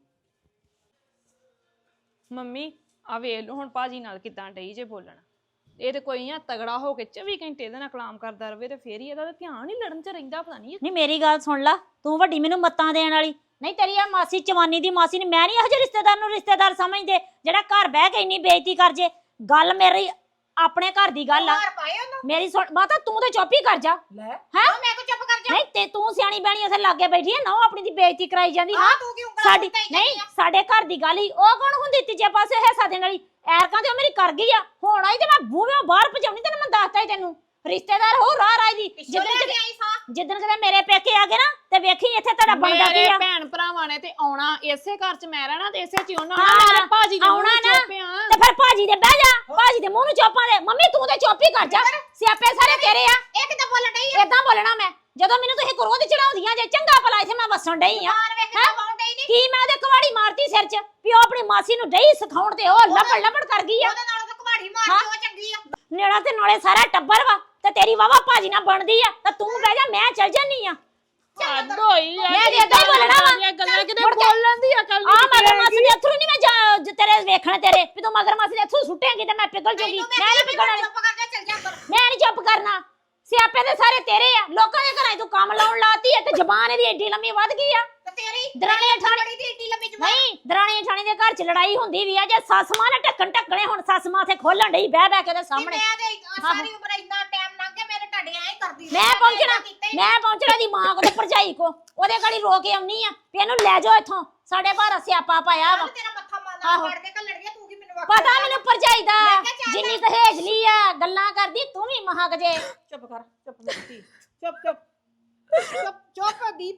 S1: ਮੰਮੀ ਆ ਵੇਖ ਲਓ ਹੁਣ ਭਾਜੀ ਨਾਲ ਕਿਦਾਂ ਡਈ ਜੇ ਬੋਲਣ। ਇਹ ਤੇ ਕੋਈ ਆ ਤਗੜਾ ਹੋ ਕੇ ਚੌਵੀ ਘੰਟੇ ਇਹਦੇ ਨਾਲ ਕਲਾਮ ਕਰਦਾ ਰਵੇ, ਤੇ ਫੇਰ ਹੀ ਇਹਦਾ ਤਾਂ ਧਿਆਨ ਹੀ ਲੜਨ ਚ ਰਹਿੰਦਾ। ਪਤਾ ਨਹੀਂ
S2: ਨਹੀਂ ਮੇਰੀ ਗੱਲ ਸੁਣ ਲਾ, ਤੂੰ ਵੱਡੀ ਮੈਨੂੰ ਮੱਤਾਂ ਦੇਣ ਵਾਲੀ ਨਹੀਂ। ਤੇਰੀ ਆ ਮਾਸੀ ਚਵਾਨੀ ਦੀ ਮਾਸੀ ਨੇ, ਮੈਂ ਨਹੀਂ ਇਹੋ ਜਿਹੇ ਰਿਸ਼ਤੇਦਾਰ ਨੂੰ ਰਿਸ਼ਤੇਦਾਰ ਸਮਝਦੇ ਜਿਹੜਾ ਘਰ ਬਹਿ ਕੇ ਇੰਨੀ ਬੇਇੱਜ਼ਤੀ ਕਰ ਜੇ। ਗੱਲ ਮੇਰੀ ਆਪਣੇ ਘਰ ਦੀ ਗੱਲ ਆ।
S4: ਮਾਰ ਪਾਏ ਉਹਨੂੰ।
S2: ਮੇਰੀ ਸੁਣ ਮਾਤਾ, ਤੂੰ ਤੇ ਚੁੱਪ ਹੀ ਕਰ ਜਾ।
S4: ਲੈ
S2: ਹੈਂ?
S4: ਹਾਂ ਮੈਂ ਕੋ ਚੁੱਪ ਕਰ ਜਾ।
S2: ਨਹੀਂ ਤੇ ਤੂੰ ਸਿਆਣੀ ਬੈਣੀ ਉੱਥੇ ਲਾਗੇ ਬੈਠੀ ਹੈ ਨਾ, ਉਹ ਆਪਣੀ ਦੀ ਬੇਇੱਜ਼ਤੀ ਕਰਾਈ ਜਾਂਦੀ। ਹਾਂ
S4: ਹਾਂ ਤੂੰ ਕਿਉਂ ਉਂਗਲਾਂ
S2: ਸਾਡੀ
S4: ਉੱਤੇ ਹੀ
S2: ਨਹੀਂ,
S4: ਜਾਂਦੀ ਆ?
S2: ਸਾਡੇ ਘਰ ਦੀ ਗੱਲ ਹੀ ਉਹ ਕੌਣ ਹੁੰਦੀ ਤੀਜੇ ਪਾਸੇ ਹਿੱਸਾ ਦੇਣ ਵਾਲੀ? ਐਰਕਾਂ ਤੇ ਉਹ ਮੇਰੀ ਕਰ ਗਈ ਆ, ਹੁਣ ਆਈ ਤੇ ਮੈਂ ਬੂਹੇ ਬਾਹਰ ਭਜਾਉਣੀ। ਤੈਨੂੰ ਮੈਂ ਦੱਸਤਾ ਹੀ, ਤੈਨੂੰ ਰਿਸ਼ਤੇਦਾਰ ਹੋ ਰਾਹ ਰਾਹ ਦੀ।
S4: ਪਿੱਛੋਂ
S2: ਜਿੱਦਣ
S4: ਲੈ
S2: ਕਿਤੇ
S4: ਕੇ ਆਈ ਸਾਂ।
S2: ਜਿੱਦਣ ਕਿਤੇ ਮੇਰੇ ਪੇਕੇ ਆ ਗਏ ਨਾ, ਤੇ ਵੇਖੀ ਇੱਥੇ ਤੁਹਾਡਾ ਬਣਦਾ ਕੀ
S1: ਮੇਰੇ
S2: ਆ।
S1: ਭੈਣ ਭਰਾਵਾਂ ਨੇ ਤੇ ਆਉਣਾ ਇਸੇ ਘਰ ਚ, ਮੈਂ ਰਹਿਣਾ ਤੇ ਇਸੇ ਚ ਹੀ ਉਹਨਾਂ
S2: ਹਾਂ,
S1: ਨਾਲ। ਮੇਰੇ ਭਾਜੀ ਦੇ
S2: ਆਉਣਾ
S1: ਮੂੰਹ
S2: ਨਾ।
S1: ਚੋਪਿਆ।
S2: ਤੇ ਫਿਰ ਭਾਜੀ ਦੇ ਬਹਿ ਜਾ, ਭਾਜੀ ਦੇ ਮੂੰਹ ਨੂੰ ਚੋਪਾਂ ਦੇ। ਮੰਮੀ ਤੂੰ ਤੇ ਚੁੱਪ ਹੀ ਕਰ ਜਾ, ਸਿਆਪੇ ਸਾਰੇ ਤੇਰੇ ਆ।
S4: ਇਹ ਕਿੱਦਾਂ ਬੋਲਣ ਡਈ ਆ?
S2: ਏਦਾਂ ਬੋਲਣਾ ਮੈਂ, ਜਦੋਂ ਮੈਨੂੰ ਤੁਸੀਂ ਕਰੋਧ ਚੜਾਉਂਦੀਆਂ ਜੇ। ਚੰਗਾ ਭਲਾ ਇੱਥੇ ਮੈਂ ਵਸਣ ਡਈ ਆ।
S4: ਮਾਰ ਵੇਖ ਕਿੱਦਾਂ ਬਾਉਂ ਡਈ ਨੀ।
S2: ਕੀ ਮੈਂ ਉਹਦੇ ਕੁਵਾੜੀ ਮਾਰਤੀ ਸਿਰ 'ਚ ਵੀ ਉਹ ਆਪਣੀ ਮਾਸੀ ਨੂੰ ਡਈ ਸਿਖਾਉਣ ਤੇ ਉਹ ਲੱਪੜ ਲੱਪੜ ਕਰ ਗਈ ਆ।
S4: ਉਹਦੇ ਨਾਲ ਤਾਂ ਕੁਹਾੜੀ ਮਾਰ
S2: ਹਾਂ?
S4: ਕੇ ਉਹ ਚੰਗੀ ਆ।
S2: ਨੇੜਾ ਤੇ ਨਾਲੇ ਸਾਰਾ ਟੱਬਰ ਵਾ, ਤੇ ਤੇਰੀ ਵਾਵਾ ਭਾਜੀ ਨਾਲ ਬਣਦੀ ਆ, ਤੇ ਤੂੰ ਬਹਿ ਜਾ, ਮੈਂ ਚੱਲ ਜਾਨੀ ਆ।
S1: ਹੱਦ ਹੋਈ ਆ।
S2: ਮੈਂ ਤੇ ਏਦਾਂ ਹੀ ਬੋਲਣਾ ਵਾ।
S1: ਇਹ ਗੱਲਾਂ ਕਿਤੇ
S2: ਮੁੜ ਕੇ-
S1: ਬੋਲਣ ਦੀ ਅਕਲ
S2: ਆ
S1: ਨਹੀਂ
S2: ਮਗਰ ਮਾਸੀ ਦੇ ਅਥਰੂ ਨਹੀਂ ਮੈਂ ਜਾ- ਜ- ਤੇਰੇ ਵੇਖਣ ਤੇਰੇ ਵੀ ਤੂੰ ਮਗਰ ਮਾਸੀ ਦੇ ਅਥਰੂ ਸੁੱਟੇਂਗੀ ਤੇ ਮੈਂ ਪਿਘਲ ਜੂਗੀ।
S4: ਤੈਨੂੰ
S2: ਮੈਂ ਨਹੀਂ ਪਿਘਲਣ ਵਾਲੀ,
S4: ਚੁੱਪ ਕਰ ਜਾ, ਚੱਲ ਜਾ ਅੰਦਰ।
S2: ਮੈਂ ਨਹੀਂ ਚੁੱਪ ਕਰਨਾ। ਸਿਆਪੇ ਦੇ ਸਾਰੇ ਤੇਰੇ ਆ। ਲੋਕਾਂ ਦੇ ਘਰਾਂ 'ਚ ਤੂੰ ਕੰਮ ਲਾਉਣ ਲਾਤੀ ਹੈ, ਤੇ ਜ਼ਬਾਨ ਇਹਦੀ ਏਡੀ ਲੰਮੀ ਵੱਧ ਗਈ ਆ।
S4: ਤੇ
S2: ਤੇਰੀ ਦਰਾਣੀ ਠਾਣੀ ਦੀ ਏਡੀ ਲੰਮੀ ਜ਼ਬਾਨ ਨਹੀਂ ਦਰਾਣੀ ਠਾਣੀ ਦੇ ਘਰ ਚ ਲੜਾਈ ਹੁੰਦੀ ਵੀ ਆ ਜੇ ਸੱਸ ਮਾਂ ਨੇ ਢੱਕਣ ਢੱਕਣੇ ਹੁਣ ਸੱਸ ਮਾਂ ਤੇ ਖੋਲਣ ਡਈ ਬਹਿ ਬਹਿ ਕੇ ਉਹਦੇ ਸਾਹਮਣੇ
S3: ਮੈਂ ਤੇ ਸਾਰੀ ਉਮਰ ਇੰਨਾ ਟਾਈਮ ਲੰਘ ਗਿਆ ਮੇਰੇ ਢੱਡੀਆਂ ਐ ਕਰਦੀ
S2: ਮੈਂ ਪਹੁੰਚਣਾ ਮੈਂ ਪਹੁੰਚਣਾ ਦੀ ਮਾਂ ਕੋ ਤੇ ਭਰਜਾਈ ਕੋ ਉਹਦੇ ਗਾੜੀ ਰੋ ਕੇ ਆਉਣੀ ਆ ਵੀ ਇਹਨੂੰ ਲੈ ਜਾਓ ਇੱਥੋਂ ਸਾਡੇ ਭਾਰਾ ਸਿਆਪਾ ਪਾਇਆ ਵਾ
S3: ਤੇਰਾ ਮੱਥਾ ਮਾਰਨਾ ਫੜ ਕੇ ਘੱਲੜੀਆਂ ਤੂੰ ਕੀ ਮੈਨੂੰ
S2: ਪਤਾ ਮੈਨੂੰ ਭਰਜਾਈ ਦਾ ਜਿੰਨੀ ਸਹੇਜਲੀ ਆ ਗੱਲਾਂ ਕਰਦੀ ਤੂੰ ਵੀ ਮਹਾਕ ਜੇ
S4: ਚੁੱਪ ਕਰ ਚੁੱਪ ਮੇਰੀ ਚੁੱਪ ਚੁੱਪ
S3: ਚੁੱਪ ਚੁੱਪ ਦੀਪ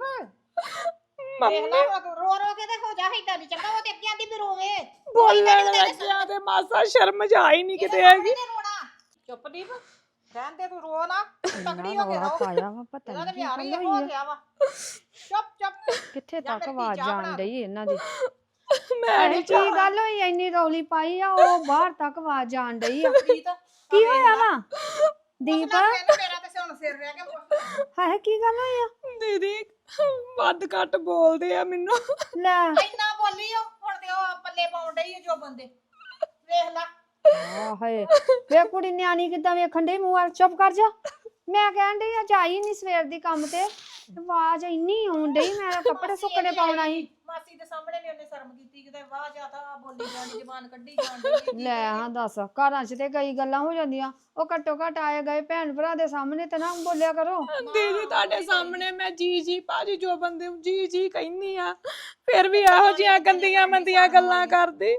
S3: ਦੇਖ ਲੈ ਰੋ ਰੋ ਕੇ ਤੇ ਹੋ ਜਾ ਏਦਾਂ ਦੀ ਚੰਗਾ ਉਹ ਤੇ ਅੱਗੇ ਆਂਦੀ ਵੀ ਰੋਵੇ
S1: ਬੋਲਣ ਲੱਗਿਆ ਤੇ ਮਾਸਾ ਸ਼ਰਮ ਜਾ ਹੀ ਨਹੀਂ ਕਿਤੇ ਹੈਗੀ
S4: ਚੁੱਪ ਦੀਪ ਰਹਿਣ ਦੇ ਤੂੰ ਰੋ ਨਾ ਤਗੜੀ ਹੋ ਕੇ ਰਹੋ
S6: ਪਾਇਆ ਵਾ ਪਤਾ
S4: ਇਹਦਾ
S6: ਨਹੀਂ
S4: ਤੇ ਵਿਆਹ
S6: ਕੀ
S4: ਹੀ
S6: ਗੱਲ
S4: ਹੋ
S6: ਹੋਈ ਆ
S4: ਗਿਆ ਵਾ ਚੁੱਪ ਚੁੱਪ
S6: ਕਿੱਥੇ
S4: ਜਾਂ
S6: ਤੱਕ
S4: ਮੇਰੀ
S6: ਆਵਾਜ਼
S4: ਚਾਹ ਬਣਾ
S6: ਜਾਣ ਡਈ ਇਹਨਾਂ ਦੀ
S1: ਮੈਂ
S6: ਇਹ
S1: ਨਹੀਂ
S6: ਕੀ ਗੱਲ ਹੋਈ ਇੰਨੀ ਰੌਲੀ ਪਾਈ ਆ ਉਹ ਬਾਹਰ ਤੱਕ ਆਵਾਜ਼ ਜਾਣ ਡਈ ਆ
S4: ਪ੍ਰੀਤ
S6: ਕੀ ਹੋਇਆ ਵਾ ਦੀਪ
S4: ਮੇਰਾ ਤੇ ਹੁਣ ਸਿਰ ਰਹਿ ਗਿਆ
S6: ਹਾਏ ਕੀ ਗੱਲ ਹੋਈ ਆ
S1: ਦੀਦੀ ਵੱਧ ਘੱਟ ਬੋਲਦੇ ਆ ਮੈਨੂੰ
S6: ਲੈ
S4: ਇੰਨਾ ਬੋਲੀ ਓ ਹੁਣ ਤੇ ਉਹ ਪੱਲੇ ਪਾਉਣ ਡਈ ਓ ਜੋ ਬੰਦੇ ਵੇਖ ਲੈ
S6: ਆ ਹਾਏ ਵੇ ਕੁੜੀ ਨਿਆਣੀ ਕਿੱਦਾਂ ਵੇਖਣ ਡਈ ਮੂੰਹ ਵੱਲ ਚੁੱਪ ਕਰ ਜਾ ਮੈਂ ਕਹਿਣ ਡਈ ਅੱਜ ਆਈ ਨਹੀਂ ਸਵੇਰ ਦੀ ਕੰਮ ਤੇ ਆਵਾਜ਼ ਇੰਨੀ ਆਉਣ ਡਈ ਮੈਂ ਕੱਪੜੇ ਸੁੱਕਣੇ ਪਾਉਣਾ ਸੀ
S4: ਮਾਸੀ ਦੇ ਸਾਹਮਣੇ ਵੀ ਉਹਨੇ ਸ਼ਰਮ ਕੀਤੀ ਕਿਤੇ ਵਾਹ ਜਾਤਾ ਬੋਲੀ ਜਾਂਦੀ ਜ਼ਬਾਨ ਕੱਢੀ ਜਾਂਦੀ
S6: ਲੈ ਹਾਂ ਦੱਸ ਘਰਾਂ 'ਚ ਤੇ ਕਈ ਗੱਲਾਂ ਹੋ ਜਾਂਦੀਆਂ ਉਹ ਘੱਟੋ ਘੱਟ ਆਏ ਗਏ ਭੈਣ ਭਰਾ ਦੇ ਸਾਹਮਣੇ ਤੇ ਨਾ ਬੋਲਿਆ ਕਰੋ
S1: ਦੀਦੀ ਤੁਹਾਡੇ ਸਾਹਮਣੇ ਮੈਂ ਜੀ ਜੀ ਭਾਜੀ ਜੋ ਬੰਦੇ ਨੂੰ ਜੀ ਜੀ ਕਹਿੰਦੀ ਆ ਫਿਰ ਵੀ ਇਹੋ ਜਿਹੀਆਂ ਗੰਦੀਆਂ ਮੰਦੀਆਂ ਗੱਲਾਂ ਕਰਦੀ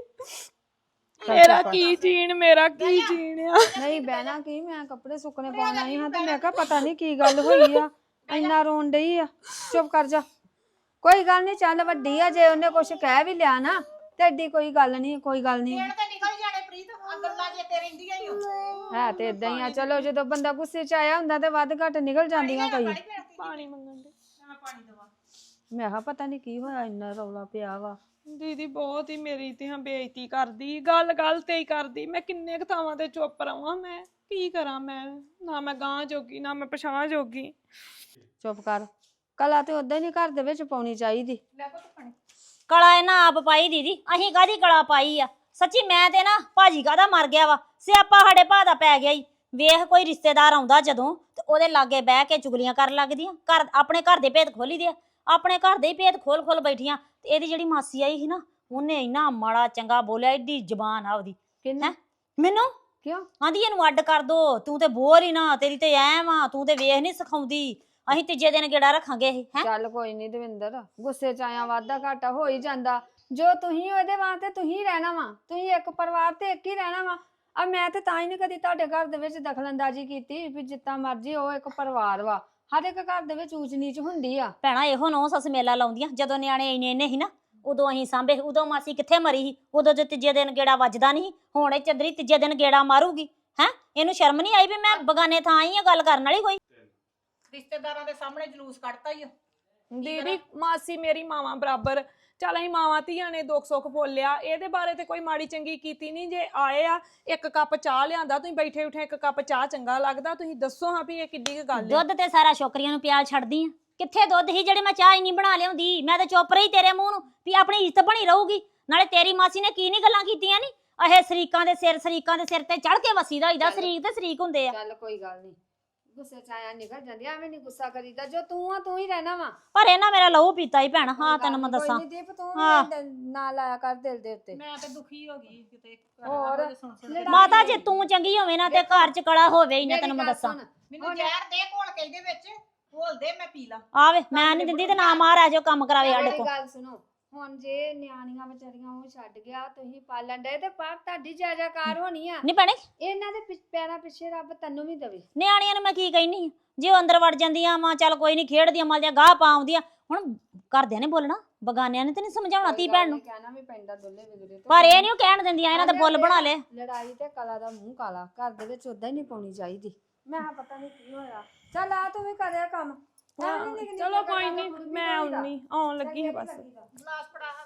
S1: ਮੇਰਾ ਕੀ ਜੀਣ ਮੇਰਾ ਕੀ ਜੀਣ ਆ
S6: ਨਹੀਂ ਬਹਿਣਾ ਕੀ ਮੈਂ ਕੱਪੜੇ ਸੁੱਕਣੇ ਪਾਉਣ ਆਈ ਹਾਂ ਤੇ ਮੈਂ ਕਿਹਾ ਪਤਾ ਨਹੀਂ ਕੀ ਗੱਲ ਹੋਈ ਆ ਇੰਨਾ ਰੋਣ ਡਈ ਆ ਚੁੱਪ ਕਰ ਜਾ ਕੋਈ ਗੱਲ ਨਹੀਂ ਚੱਲ ਵੱਡੀ ਆ ਜੇ ਉਹਨੇ ਕੁਝ ਕਹਿ ਵੀ ਲਿਆ ਨਾ ਤੇ ਏਡੀ ਕੋਈ ਗੱਲ ਨਹੀਂ ਕੋਈ ਗੱਲ ਨਹੀਂ
S4: ਦੇਣ ਤੇ ਨਿਕਲ ਜਾਣੇ ਪ੍ਰੀਤ ਆ ਗੱਲਾਂ ਜੇ ਤੇ ਰਹਿੰਦੀਆਂ ਹੀ ਓ
S6: ਹੈ ਤੇ ਇਦਾਂ ਹੀ ਆ ਚਲੋ ਜਦੋਂ ਬੰਦਾ ਗੁੱਸੇ 'ਚ ਆਇਆ ਹੁੰਦਾ ਤੇ ਵੱਧ ਘੱਟ ਨਿਕਲ ਜਾਂਦੀਆਂ ਕਈ
S1: ਪਾਣੀ ਮੰਗਣ ਦੇ
S4: ਮੈਂ ਪਾਣੀ ਦਵਾ
S6: ਮੈਂ ਕਿਹਾ ਪਤਾ ਨਹੀਂ ਕੀ ਹੋਇਆ ਇੰਨਾ ਰੌਲਾ ਪਿਆ ਵਾ
S1: ਦੀਦੀ ਬਹੁਤ ਹੀ ਮੇਰੀ ਤੇ ਹਾਂ ਬੇਇੱਜ਼ਤੀ ਕਰਦੀ ਗੱਲ ਗੱਲ ਤੇ ਹੀ ਕਰਦੀ ਮੈਂ ਕਿੰਨੇ ਕੁ ਥਾਵਾਂ ਤੇ ਚੁੱਪ ਰਵਾਂ ਮੈਂ ਕੀ ਕਰਾਂ ਮੈਂ ਨਾ ਮੈਂ ਗਾਂ ਜੋਗੀ ਨਾ ਮੈਂ ਪਛਾਣ ਜੋਗੀ
S6: ਚੁੱਪ ਕਰ ਕਲਾ ਤੇ ਉਦਾਂ ਹੀ ਨਹੀਂ ਘਰ ਦੇ ਵਿੱਚ ਪਾਉਣੀ ਚਾਹੀਦੀ
S4: ਲੈ ਪੁੱਤ ਪਾਣੀ
S2: ਕਲਾ ਇਹਨਾਂ ਆਪ ਪਾਈ ਦੀਦੀ ਅਸੀਂ ਕਾਹਦੀ ਕਲਾ ਪਾਈ ਆ ਸੱਚੀ ਮੈਂ ਤੇ ਨਾ ਭਾਜੀ ਕਾਹਦਾ ਮਰ ਗਿਆ ਵਾ ਸਿਆਪਾ ਸਾਡੇ ਭਾ ਦਾ ਪੈ ਗਿਆ ਈ ਵੇਖ ਕੋਈ ਰਿਸ਼ਤੇਦਾਰ ਆਉਂਦਾ ਜਦੋਂ ਤੇ ਉਹਦੇ ਲਾਗੇ ਬਹਿ ਕੇ ਚੁਗਲੀਆਂ ਕਰਨ ਲੱਗਦੀਆਂ ਘਰ ਆਪਣੇ ਘਰ ਦੇ ਭੇਤ ਖੋਲੀ ਦੇ ਆਪਣੇ ਘਰ ਦੇ ਹੀ ਭੇਤ ਖੋਲ ਖੋਲ ਬੈਠੀਆਂ ਤੇ ਇਹਦੀ ਜਿਹੜੀ ਮਾਸੀ ਆਈ ਸੀ ਨਾ ਉਹਨੇ ਇੰਨਾ ਮਾੜਾ ਚੰਗਾ ਬੋਲਿਆ ਏਡੀ ਜ਼ਬਾਨ ਆ ਉਹਦੀ
S6: ਕਿੰਨਾ
S2: ਮੈਨੂੰ
S6: ਕਿਉਂ
S2: ਆਂਦੀ ਇਹਨੂੰ ਅੱਡ ਕਰ ਦੋ ਤੂੰ ਤੇ ਬੋਰ ਹੀ ਨਾ ਤੇਰੀ ਤੇ ਐ ਵਾ ਤੂੰ ਤੇ ਵੇਖ ਨਹੀਂ ਸਿਖਾਉਂਦੀ ਅਸੀਂ ਤੀਜੇ ਦਿਨ ਗੇੜਾ ਰੱਖਾਂਗੇ ਇਹ ਹੈ
S6: ਚੱਲ ਕੋਈ ਨਹੀਂ ਦਵਿੰਦਰ ਗੁੱਸੇ 'ਚ ਆਇਆ ਵਾਧਾ ਘਾਟਾ ਹੋ ਹੀ ਜਾਂਦਾ ਜੋ ਤੁਸੀਂ ਉਹਦੇ ਵਾਸਤੇ ਤੁਸੀਂ ਰਹਿਣਾ ਵਾ ਤੁਸੀਂ ਇੱਕ ਪਰਿਵਾਰ ਤੇ ਇੱਕ ਹੀ ਰਹਿਣਾ ਵਾ ਆ ਮੈਂ ਤੇ ਤਾਂ ਹੀ ਨਹੀਂ ਕਦੀ ਤੁਹਾਡੇ ਘਰ ਦੇ ਵਿੱਚ ਦਖਲਅੰਦਾਜ਼ੀ ਕੀਤੀ ਵੀ ਜਿੱਦਾਂ ਮਰਜ਼ੀ ਉਹ ਇੱਕ ਪਰਿਵਾਰ ਵਾ ਹਰ ਇੱਕ ਘਰ ਦੇ ਵਿੱਚ ਊਚ ਨੀਚ ਹੁੰਦੀ ਆ
S2: ਭੈਣਾ ਇਹੋ ਨੌ ਸੱਸ ਮੇਲਾ ਲਾਉਂਦੀਆਂ ਜਦੋਂ ਨਿਆਣੇ ਇੰਨੇ ਇੰਨੇ ਸੀ ਨਾ ਉਦੋਂ ਅਸੀਂ ਸਾਂਭੇ ਉਦੋਂ ਮਾਸੀ ਕਿੱਥੇ ਮਰੀ ਸੀ ਉਦੋਂ ਜੇ ਤੀਜੇ ਦਿਨ ਗੇੜਾ ਵੱਜਦਾ ਨਹੀਂ ਹੁਣ ਇਹ ਚੰਦਰੀ ਤੀਜੇ ਦਿਨ ਗੇੜਾ ਮਾਰੂਗੀ ਹੈ ਇਹਨੂੰ ਸ਼ਰਮ ਨਹੀਂ ਆਈ ਵੀ ਮੈਂ ਬਗਾਨੇ ਥਾਂ ਆਈ ਆ ਗੱਲ ਕਰਨ ਵਾਲੀ ਕੋਈ
S4: ਰਿਸ਼ਤੇਦਾਰਾਂ ਦੇ ਸਾਹਮਣੇ ਜਲੂਸ ਕੱਢਤਾ ਹੀ
S1: ਦੀਦੀ ਮਾਸੀ ਮੇਰੀ ਮਾਵਾਂ ਬਰਾਬਰ ਚੱਲ ਅਸੀਂ ਮਾਵਾਂ ਧੀਆਂ ਨੇ ਦੁੱਖ ਸੁੱਖ ਬੋਲਿਆ ਇਹਦੇ ਬਾਰੇ ਤੇ ਕੋਈ ਮਾੜੀ ਚੰਗੀ ਕੀਤੀ ਨਹੀਂ ਜੇ ਆਏ ਆ ਇੱਕ ਕੱਪ ਚਾਹ ਲਿਆਂਦਾ ਤੁਸੀਂ ਬੈਠੇ ਉਠੇ ਇੱਕ ਕੱਪ ਚਾਹ ਚੰਗਾ ਲੱਗਦਾ ਤੁਸੀਂ ਦੱਸੋ ਹਾਂ ਵੀ ਇਹ ਕਿੱਡੀ ਕੁ ਗੱਲ ਹੈ
S2: ਦੁੱਧ ਤੇ ਸਾਰਾ ਛੋਕਰੀਆਂ ਨੂੰ ਪਿਆਲ ਛੱਡਦੀ ਆ ਕਿੱਥੇ ਦੁੱਧ ਹੀ ਜਿਹੜੇ ਮੈਂ ਚਾਹ ਹੀ ਨਹੀਂ ਬਣਾ ਲਿਆਉਂਦੀ ਮੈਂ ਤਾਂ ਚੁੱਪ ਰਹੀ ਤੇਰੇ ਮੂੰਹ ਨੂੰ ਵੀ ਆਪਣੀ ਇੱਜ਼ਤ ਬਣੀ ਰਹੂਗੀ ਨਾਲੇ ਤੇਰੀ ਮਾਸੀ ਨੇ ਕੀ ਨਹੀਂ ਗੱਲਾਂ ਕੀਤੀਆਂ ਨੀ ਇਹ ਸ਼ਰੀਕਾਂ ਦੇ ਸਿਰ ਸ਼ਰੀਕਾਂ ਦੇ ਸਿਰ ਤੇ ਚੜ ਕੇ ਵਸੀਦਾ ਹੋਈਦਾ ਸ਼ਰੀਕ ਤੇ ਸ਼ਰੀਕ ਹੁੰਦੇ ਆ
S6: ਚੱਲ ਕੋਈ ਗੱਲ ਨਹੀਂ ਗੁੱਸੇ 'ਚ ਆਇਆ ਨਿਕਲ ਜਾਂਦੀ ਐਵੇਂ ਨਹੀਂ ਗੁੱਸਾ ਕਰੀਦਾ ਜੋ ਤੂੰ ਆ ਤੂੰ ਹੀ ਰਹਿਣਾ ਵਾ
S2: ਪਰ ਇਹਨਾਂ ਮੇਰਾ ਲਹੂ ਪੀਤਾ ਹੀ ਭੈਣ ਹਾਂ ਤੈਨੂੰ ਮੈਂ ਦੱਸਾਂ
S6: ਕੋਈ ਨੀ ਦੀਪ ਤੂੰ
S2: ਹਾਂ।
S6: ਵੀ ਨਾ ਲਾਇਆ ਕਰ ਦਿਲ ਦੇ ਉੱਤੇ
S4: ਮੈਂ ਤੇ ਦੁਖੀ ਹੋ ਗਈ ਕਿਤੇ
S6: ਹੋਰ
S4: ਸੁਣ ਸੁਣ
S2: ਮਾਤਾ ਜੇ ਤੂੰ ਚੰਗੀ ਹੋਵੇ ਨਾ ਤੇ ਘਰ ਚ ਕਲਾ ਹੋਵੇ ਹੀ ਨਾ ਤੈਨੂੰ ਮੈਂ
S6: ਮੇਰੀ ਗੱਲ
S2: ਦੱਸਾਂ
S6: ਸੁਣ,
S4: ਮੈਨੂੰ ਜ਼ਹਿਰ ਦੇ ਘੋਲ ਕੇ ਇਹਦੇ ਵਿੱਚ ਘੋਲ ਦੇ ਮੈਂ ਪੀ ਲਾਂ
S2: ਆਵੇ ਮੈਂ ਨਹੀਂ ਦਿੰਦੀ ਤੇ ਨਾ ਮਾਰ ਆ ਜਾਓ ਕੰਮ ਕਰਾਵੇ ਸਾਡੇ
S6: ਮੇਰੀ
S2: ਕੋਲ
S6: ਗੱਲ ਸੁਣੋ ਹੁਣ ਜੇ ਨਿਆਣੀਆਂ ਵਿਚਾਰੀਆਂ ਉਹ ਛੱਡ ਗਿਆ ਤੁਸੀਂ ਪਾਲਣ ਡਏ ਤੇ ਪਰ ਤੁਹਾਡੀ ਜਾਇਜ਼ਾਕਾਰ ਹੋਣੀ ਆ
S2: ਨਹੀਂ ਭੈਣੇ
S6: ਇਹਨਾਂ ਦੇ ਪਿ- ਪੈਰਾਂ ਪਿੱਛੇ ਰੱਬ ਤੈਨੂੰ ਵੀ ਦੇਵੇ
S2: ਨਿਆਣੀਆਂ ਨੂੰ ਮੈਂ ਕੀ ਕਹਿਨੀ ਆ? ਜੇ ਉਹ ਅੰਦਰ ਵੜ ਜਾਂਦੀਆਂ ਮਾਂ ਚੱਲ ਕੋਈ ਨਹੀਂ ਖੇਡਦੀਆਂ ਮਲ ਜਾਂ ਗਾਹ ਪਾਉਂਦੀਆਂ ਹੁਣ ਘਰਦਿਆਂ ਨੇ ਬੋਲਣਾ ਬਗਾਨਿਆਂ ਨੇ ਤੇ ਨਹੀਂ ਸਮਝਾਉਣਾ ਤੀ ਭੈਣ ਨੂੰ
S6: ਕਹਿਣਾ ਵੀ ਪੈਂਦਾ ਦੋਲੇ ਵਿਗੜੇ ਤੋਂ
S2: ਪਰ ਇਹ ਨਹੀਂ ਉਹ ਕਹਿਣ ਦਿੰਦੀਆਂ ਇਹਨਾਂ ਦੇ ਫੁੱਲ ਬਣਾ ਲਏ
S6: ਲੜਾਈ ਤੇ ਕਲਾ ਦਾ ਮੂੰਹ ਕਾਲਾ ਘਰ ਦੇ ਵਿੱਚ ਉਦਾਂ ਹੀ ਨਹੀਂ ਪਾਉਣੀ ਚਾਹੀਦੀ ਮੈਂ ਕਿਹਾ ਪਤਾ ਨਹੀਂ ਕੀ ਹੋਇਆ ਚੱਲ ਆ ਤੂੰ ਵੀ ਕਰਿਆ ਕੰਮ ਐਵੇਂ ਨਿੱਕੀ ਨਿੱਕੀ
S1: ਚਲੋ ਕੋਈ
S6: ਗੱਲਾਂ
S1: ਨਹੀਂ
S6: ਦਾ
S1: ਮੈਂ ਆਉਣੀ ਆਉਣ ਲੱਗੀ ਹਾਂ ਬਸ
S4: ਗਲਾਸ ਫੜਾ